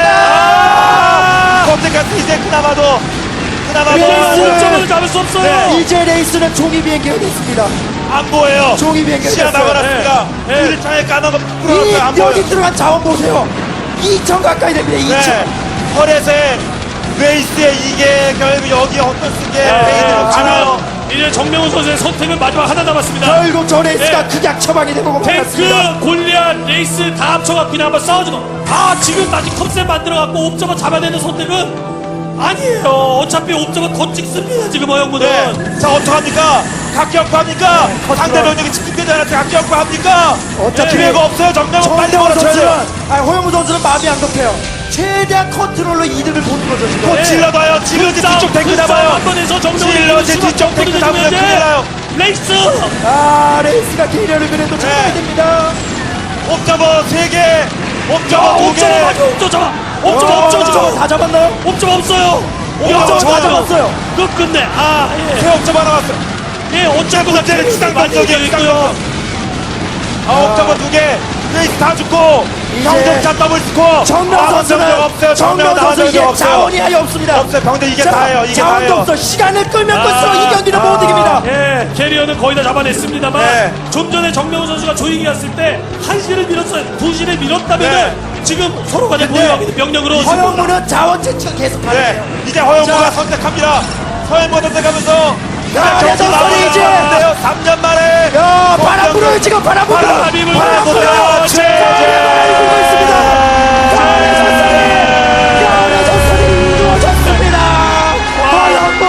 Speaker 1: 아! 컴셋까지 이제 그나마도 그나마도
Speaker 2: 레이스를-
Speaker 3: 옥저버를 잡을 수 없어요.
Speaker 1: 네.
Speaker 2: 이제 레이스는 종이 비행기가 됐습니다.
Speaker 1: 안 보여요.
Speaker 2: 종이 비행기가
Speaker 1: 시야
Speaker 2: 됐어요.
Speaker 1: 막아놨습니다.
Speaker 3: 네. 네.
Speaker 1: 일 차에 까만 거
Speaker 2: 이
Speaker 1: 풀어놨어요. 안 보여요.
Speaker 2: 여기 들어간 자원 보세요. 이천 가까이 됩니다. 이천.
Speaker 1: 네. 헐에서의 레이스의 이게 결국 여기 어떤 쓰게 페인으로 치나요?
Speaker 3: 지금 이제 정명훈 선수의 선택은 마지막 하나 남았습니다.
Speaker 2: 결국 저 레이스가
Speaker 3: 네.
Speaker 2: 극약 처방이 되고 말았습니다.
Speaker 3: 탱크, 골리앗, 레이스 다 합쳐갖고 그냥 한번 싸워주고. 아, 지금 다시 컵셋 만들어갖고 옵저버 잡아야 되는 선택은 아니에요. 어차피 옵저버 더 찍습니다. 지금 허영무는.
Speaker 1: 네. 자, 어떡합니까? 각격부 합니까?
Speaker 2: 컨트롤.
Speaker 1: 상대 병력이 집중되지 않았을 때 각격부 합니까?
Speaker 2: 어차피
Speaker 1: 기회가 없어요. 정명은 빨리
Speaker 2: 정명훈 선수는
Speaker 1: 몰아쳐야죠.
Speaker 2: 아니, 허영무 선수는 마음이 안 급해요. 최대한 컨트롤로 이득을 보는 거죠 지금.
Speaker 1: 곧 질러봐요. 지금 이제 뒤쪽 탱크 잡아요.
Speaker 3: 한번 해서 정명훈이
Speaker 1: 질러, 이제 뒤쪽 탱크 잡으면 큰일 나요.
Speaker 3: 레이스!
Speaker 2: 아 레이스가 캐리어를 그래도 잡아야
Speaker 1: 네.
Speaker 2: 됩니다.
Speaker 1: 옵저버 세 개, 옵저버 두 개.
Speaker 3: 옵저버 맞아, 옵저버 잡아! 옵저버,
Speaker 2: 어,
Speaker 3: 옵저버
Speaker 2: 옵저버
Speaker 3: 잡아!
Speaker 2: 다 잡았나요?
Speaker 3: 옵저버 없어요!
Speaker 1: 옵저버
Speaker 3: 옵저버
Speaker 1: 다
Speaker 2: 잡았어요.
Speaker 3: 끝 끝내. 아, 예.
Speaker 1: 새 옵저버 하나 왔어요.
Speaker 3: 예, 어쨌거나
Speaker 1: 문제는 지상
Speaker 3: 많이
Speaker 1: 공격이에요.
Speaker 3: 이기고
Speaker 1: 지상
Speaker 3: 있고요.
Speaker 1: 공격. 아, 옵저버 두 개. 레이스 다 죽고.
Speaker 2: 이제
Speaker 1: 경쟁차 더블 스코어.
Speaker 2: 정명
Speaker 1: 아,
Speaker 2: 선수는
Speaker 1: 병력 없어요.
Speaker 2: 정명
Speaker 1: 정명
Speaker 2: 선수
Speaker 1: 나와서
Speaker 2: 이제
Speaker 1: 없어요.
Speaker 2: 자원이 아예 없습니다.
Speaker 1: 없어요. 병대 이게
Speaker 2: 자,
Speaker 1: 다예요. 이게
Speaker 2: 자원도
Speaker 1: 다예요.
Speaker 2: 없어. 시간을 끌면 끌수록
Speaker 3: 아,
Speaker 2: 이 경기는
Speaker 1: 아,
Speaker 2: 못 이깁니다.
Speaker 3: 예, 캐리어는 거의 다 잡아냈습니다만
Speaker 1: 네.
Speaker 3: 좀 전에 정명훈 선수가 조이기 갔을 때 한 시를 밀었어요. 두 시를 밀었다면
Speaker 1: 네.
Speaker 3: 지금 서로 간에
Speaker 2: 근데
Speaker 3: 보유하고 있는 병력으로
Speaker 2: 허영무는 자원 채취가 계속
Speaker 1: 네.
Speaker 2: 가네요.
Speaker 1: 이제 허영무가
Speaker 2: 자.
Speaker 1: 선택합니다. 허영무 선택하면서
Speaker 2: 야,
Speaker 1: 경기
Speaker 2: 대선
Speaker 1: 마무리
Speaker 2: 이제.
Speaker 1: 지었는데요. 삼 년 만에.
Speaker 2: 야 바람 불어요 지금 바람 불어.
Speaker 3: 바람이 불고
Speaker 2: 바람 불어요.
Speaker 3: 있어요.
Speaker 2: 최 바람이 불고 있습니다. 가을의 전설이 가을의 전설이 이루어졌습니다. 허영무.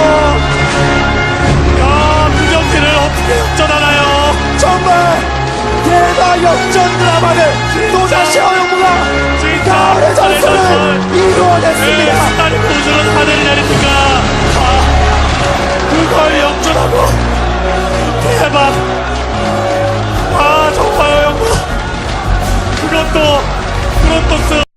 Speaker 3: 야, 그 경기를 어떻게 역전하나요?
Speaker 2: 정말 대박 역전 드라마를 또다시 허영무가
Speaker 3: 진짜
Speaker 2: 가을의
Speaker 3: 가을의
Speaker 2: 전설을
Speaker 3: 전설. 예,
Speaker 2: 이루어냈습니다.
Speaker 3: 스타리 포즈로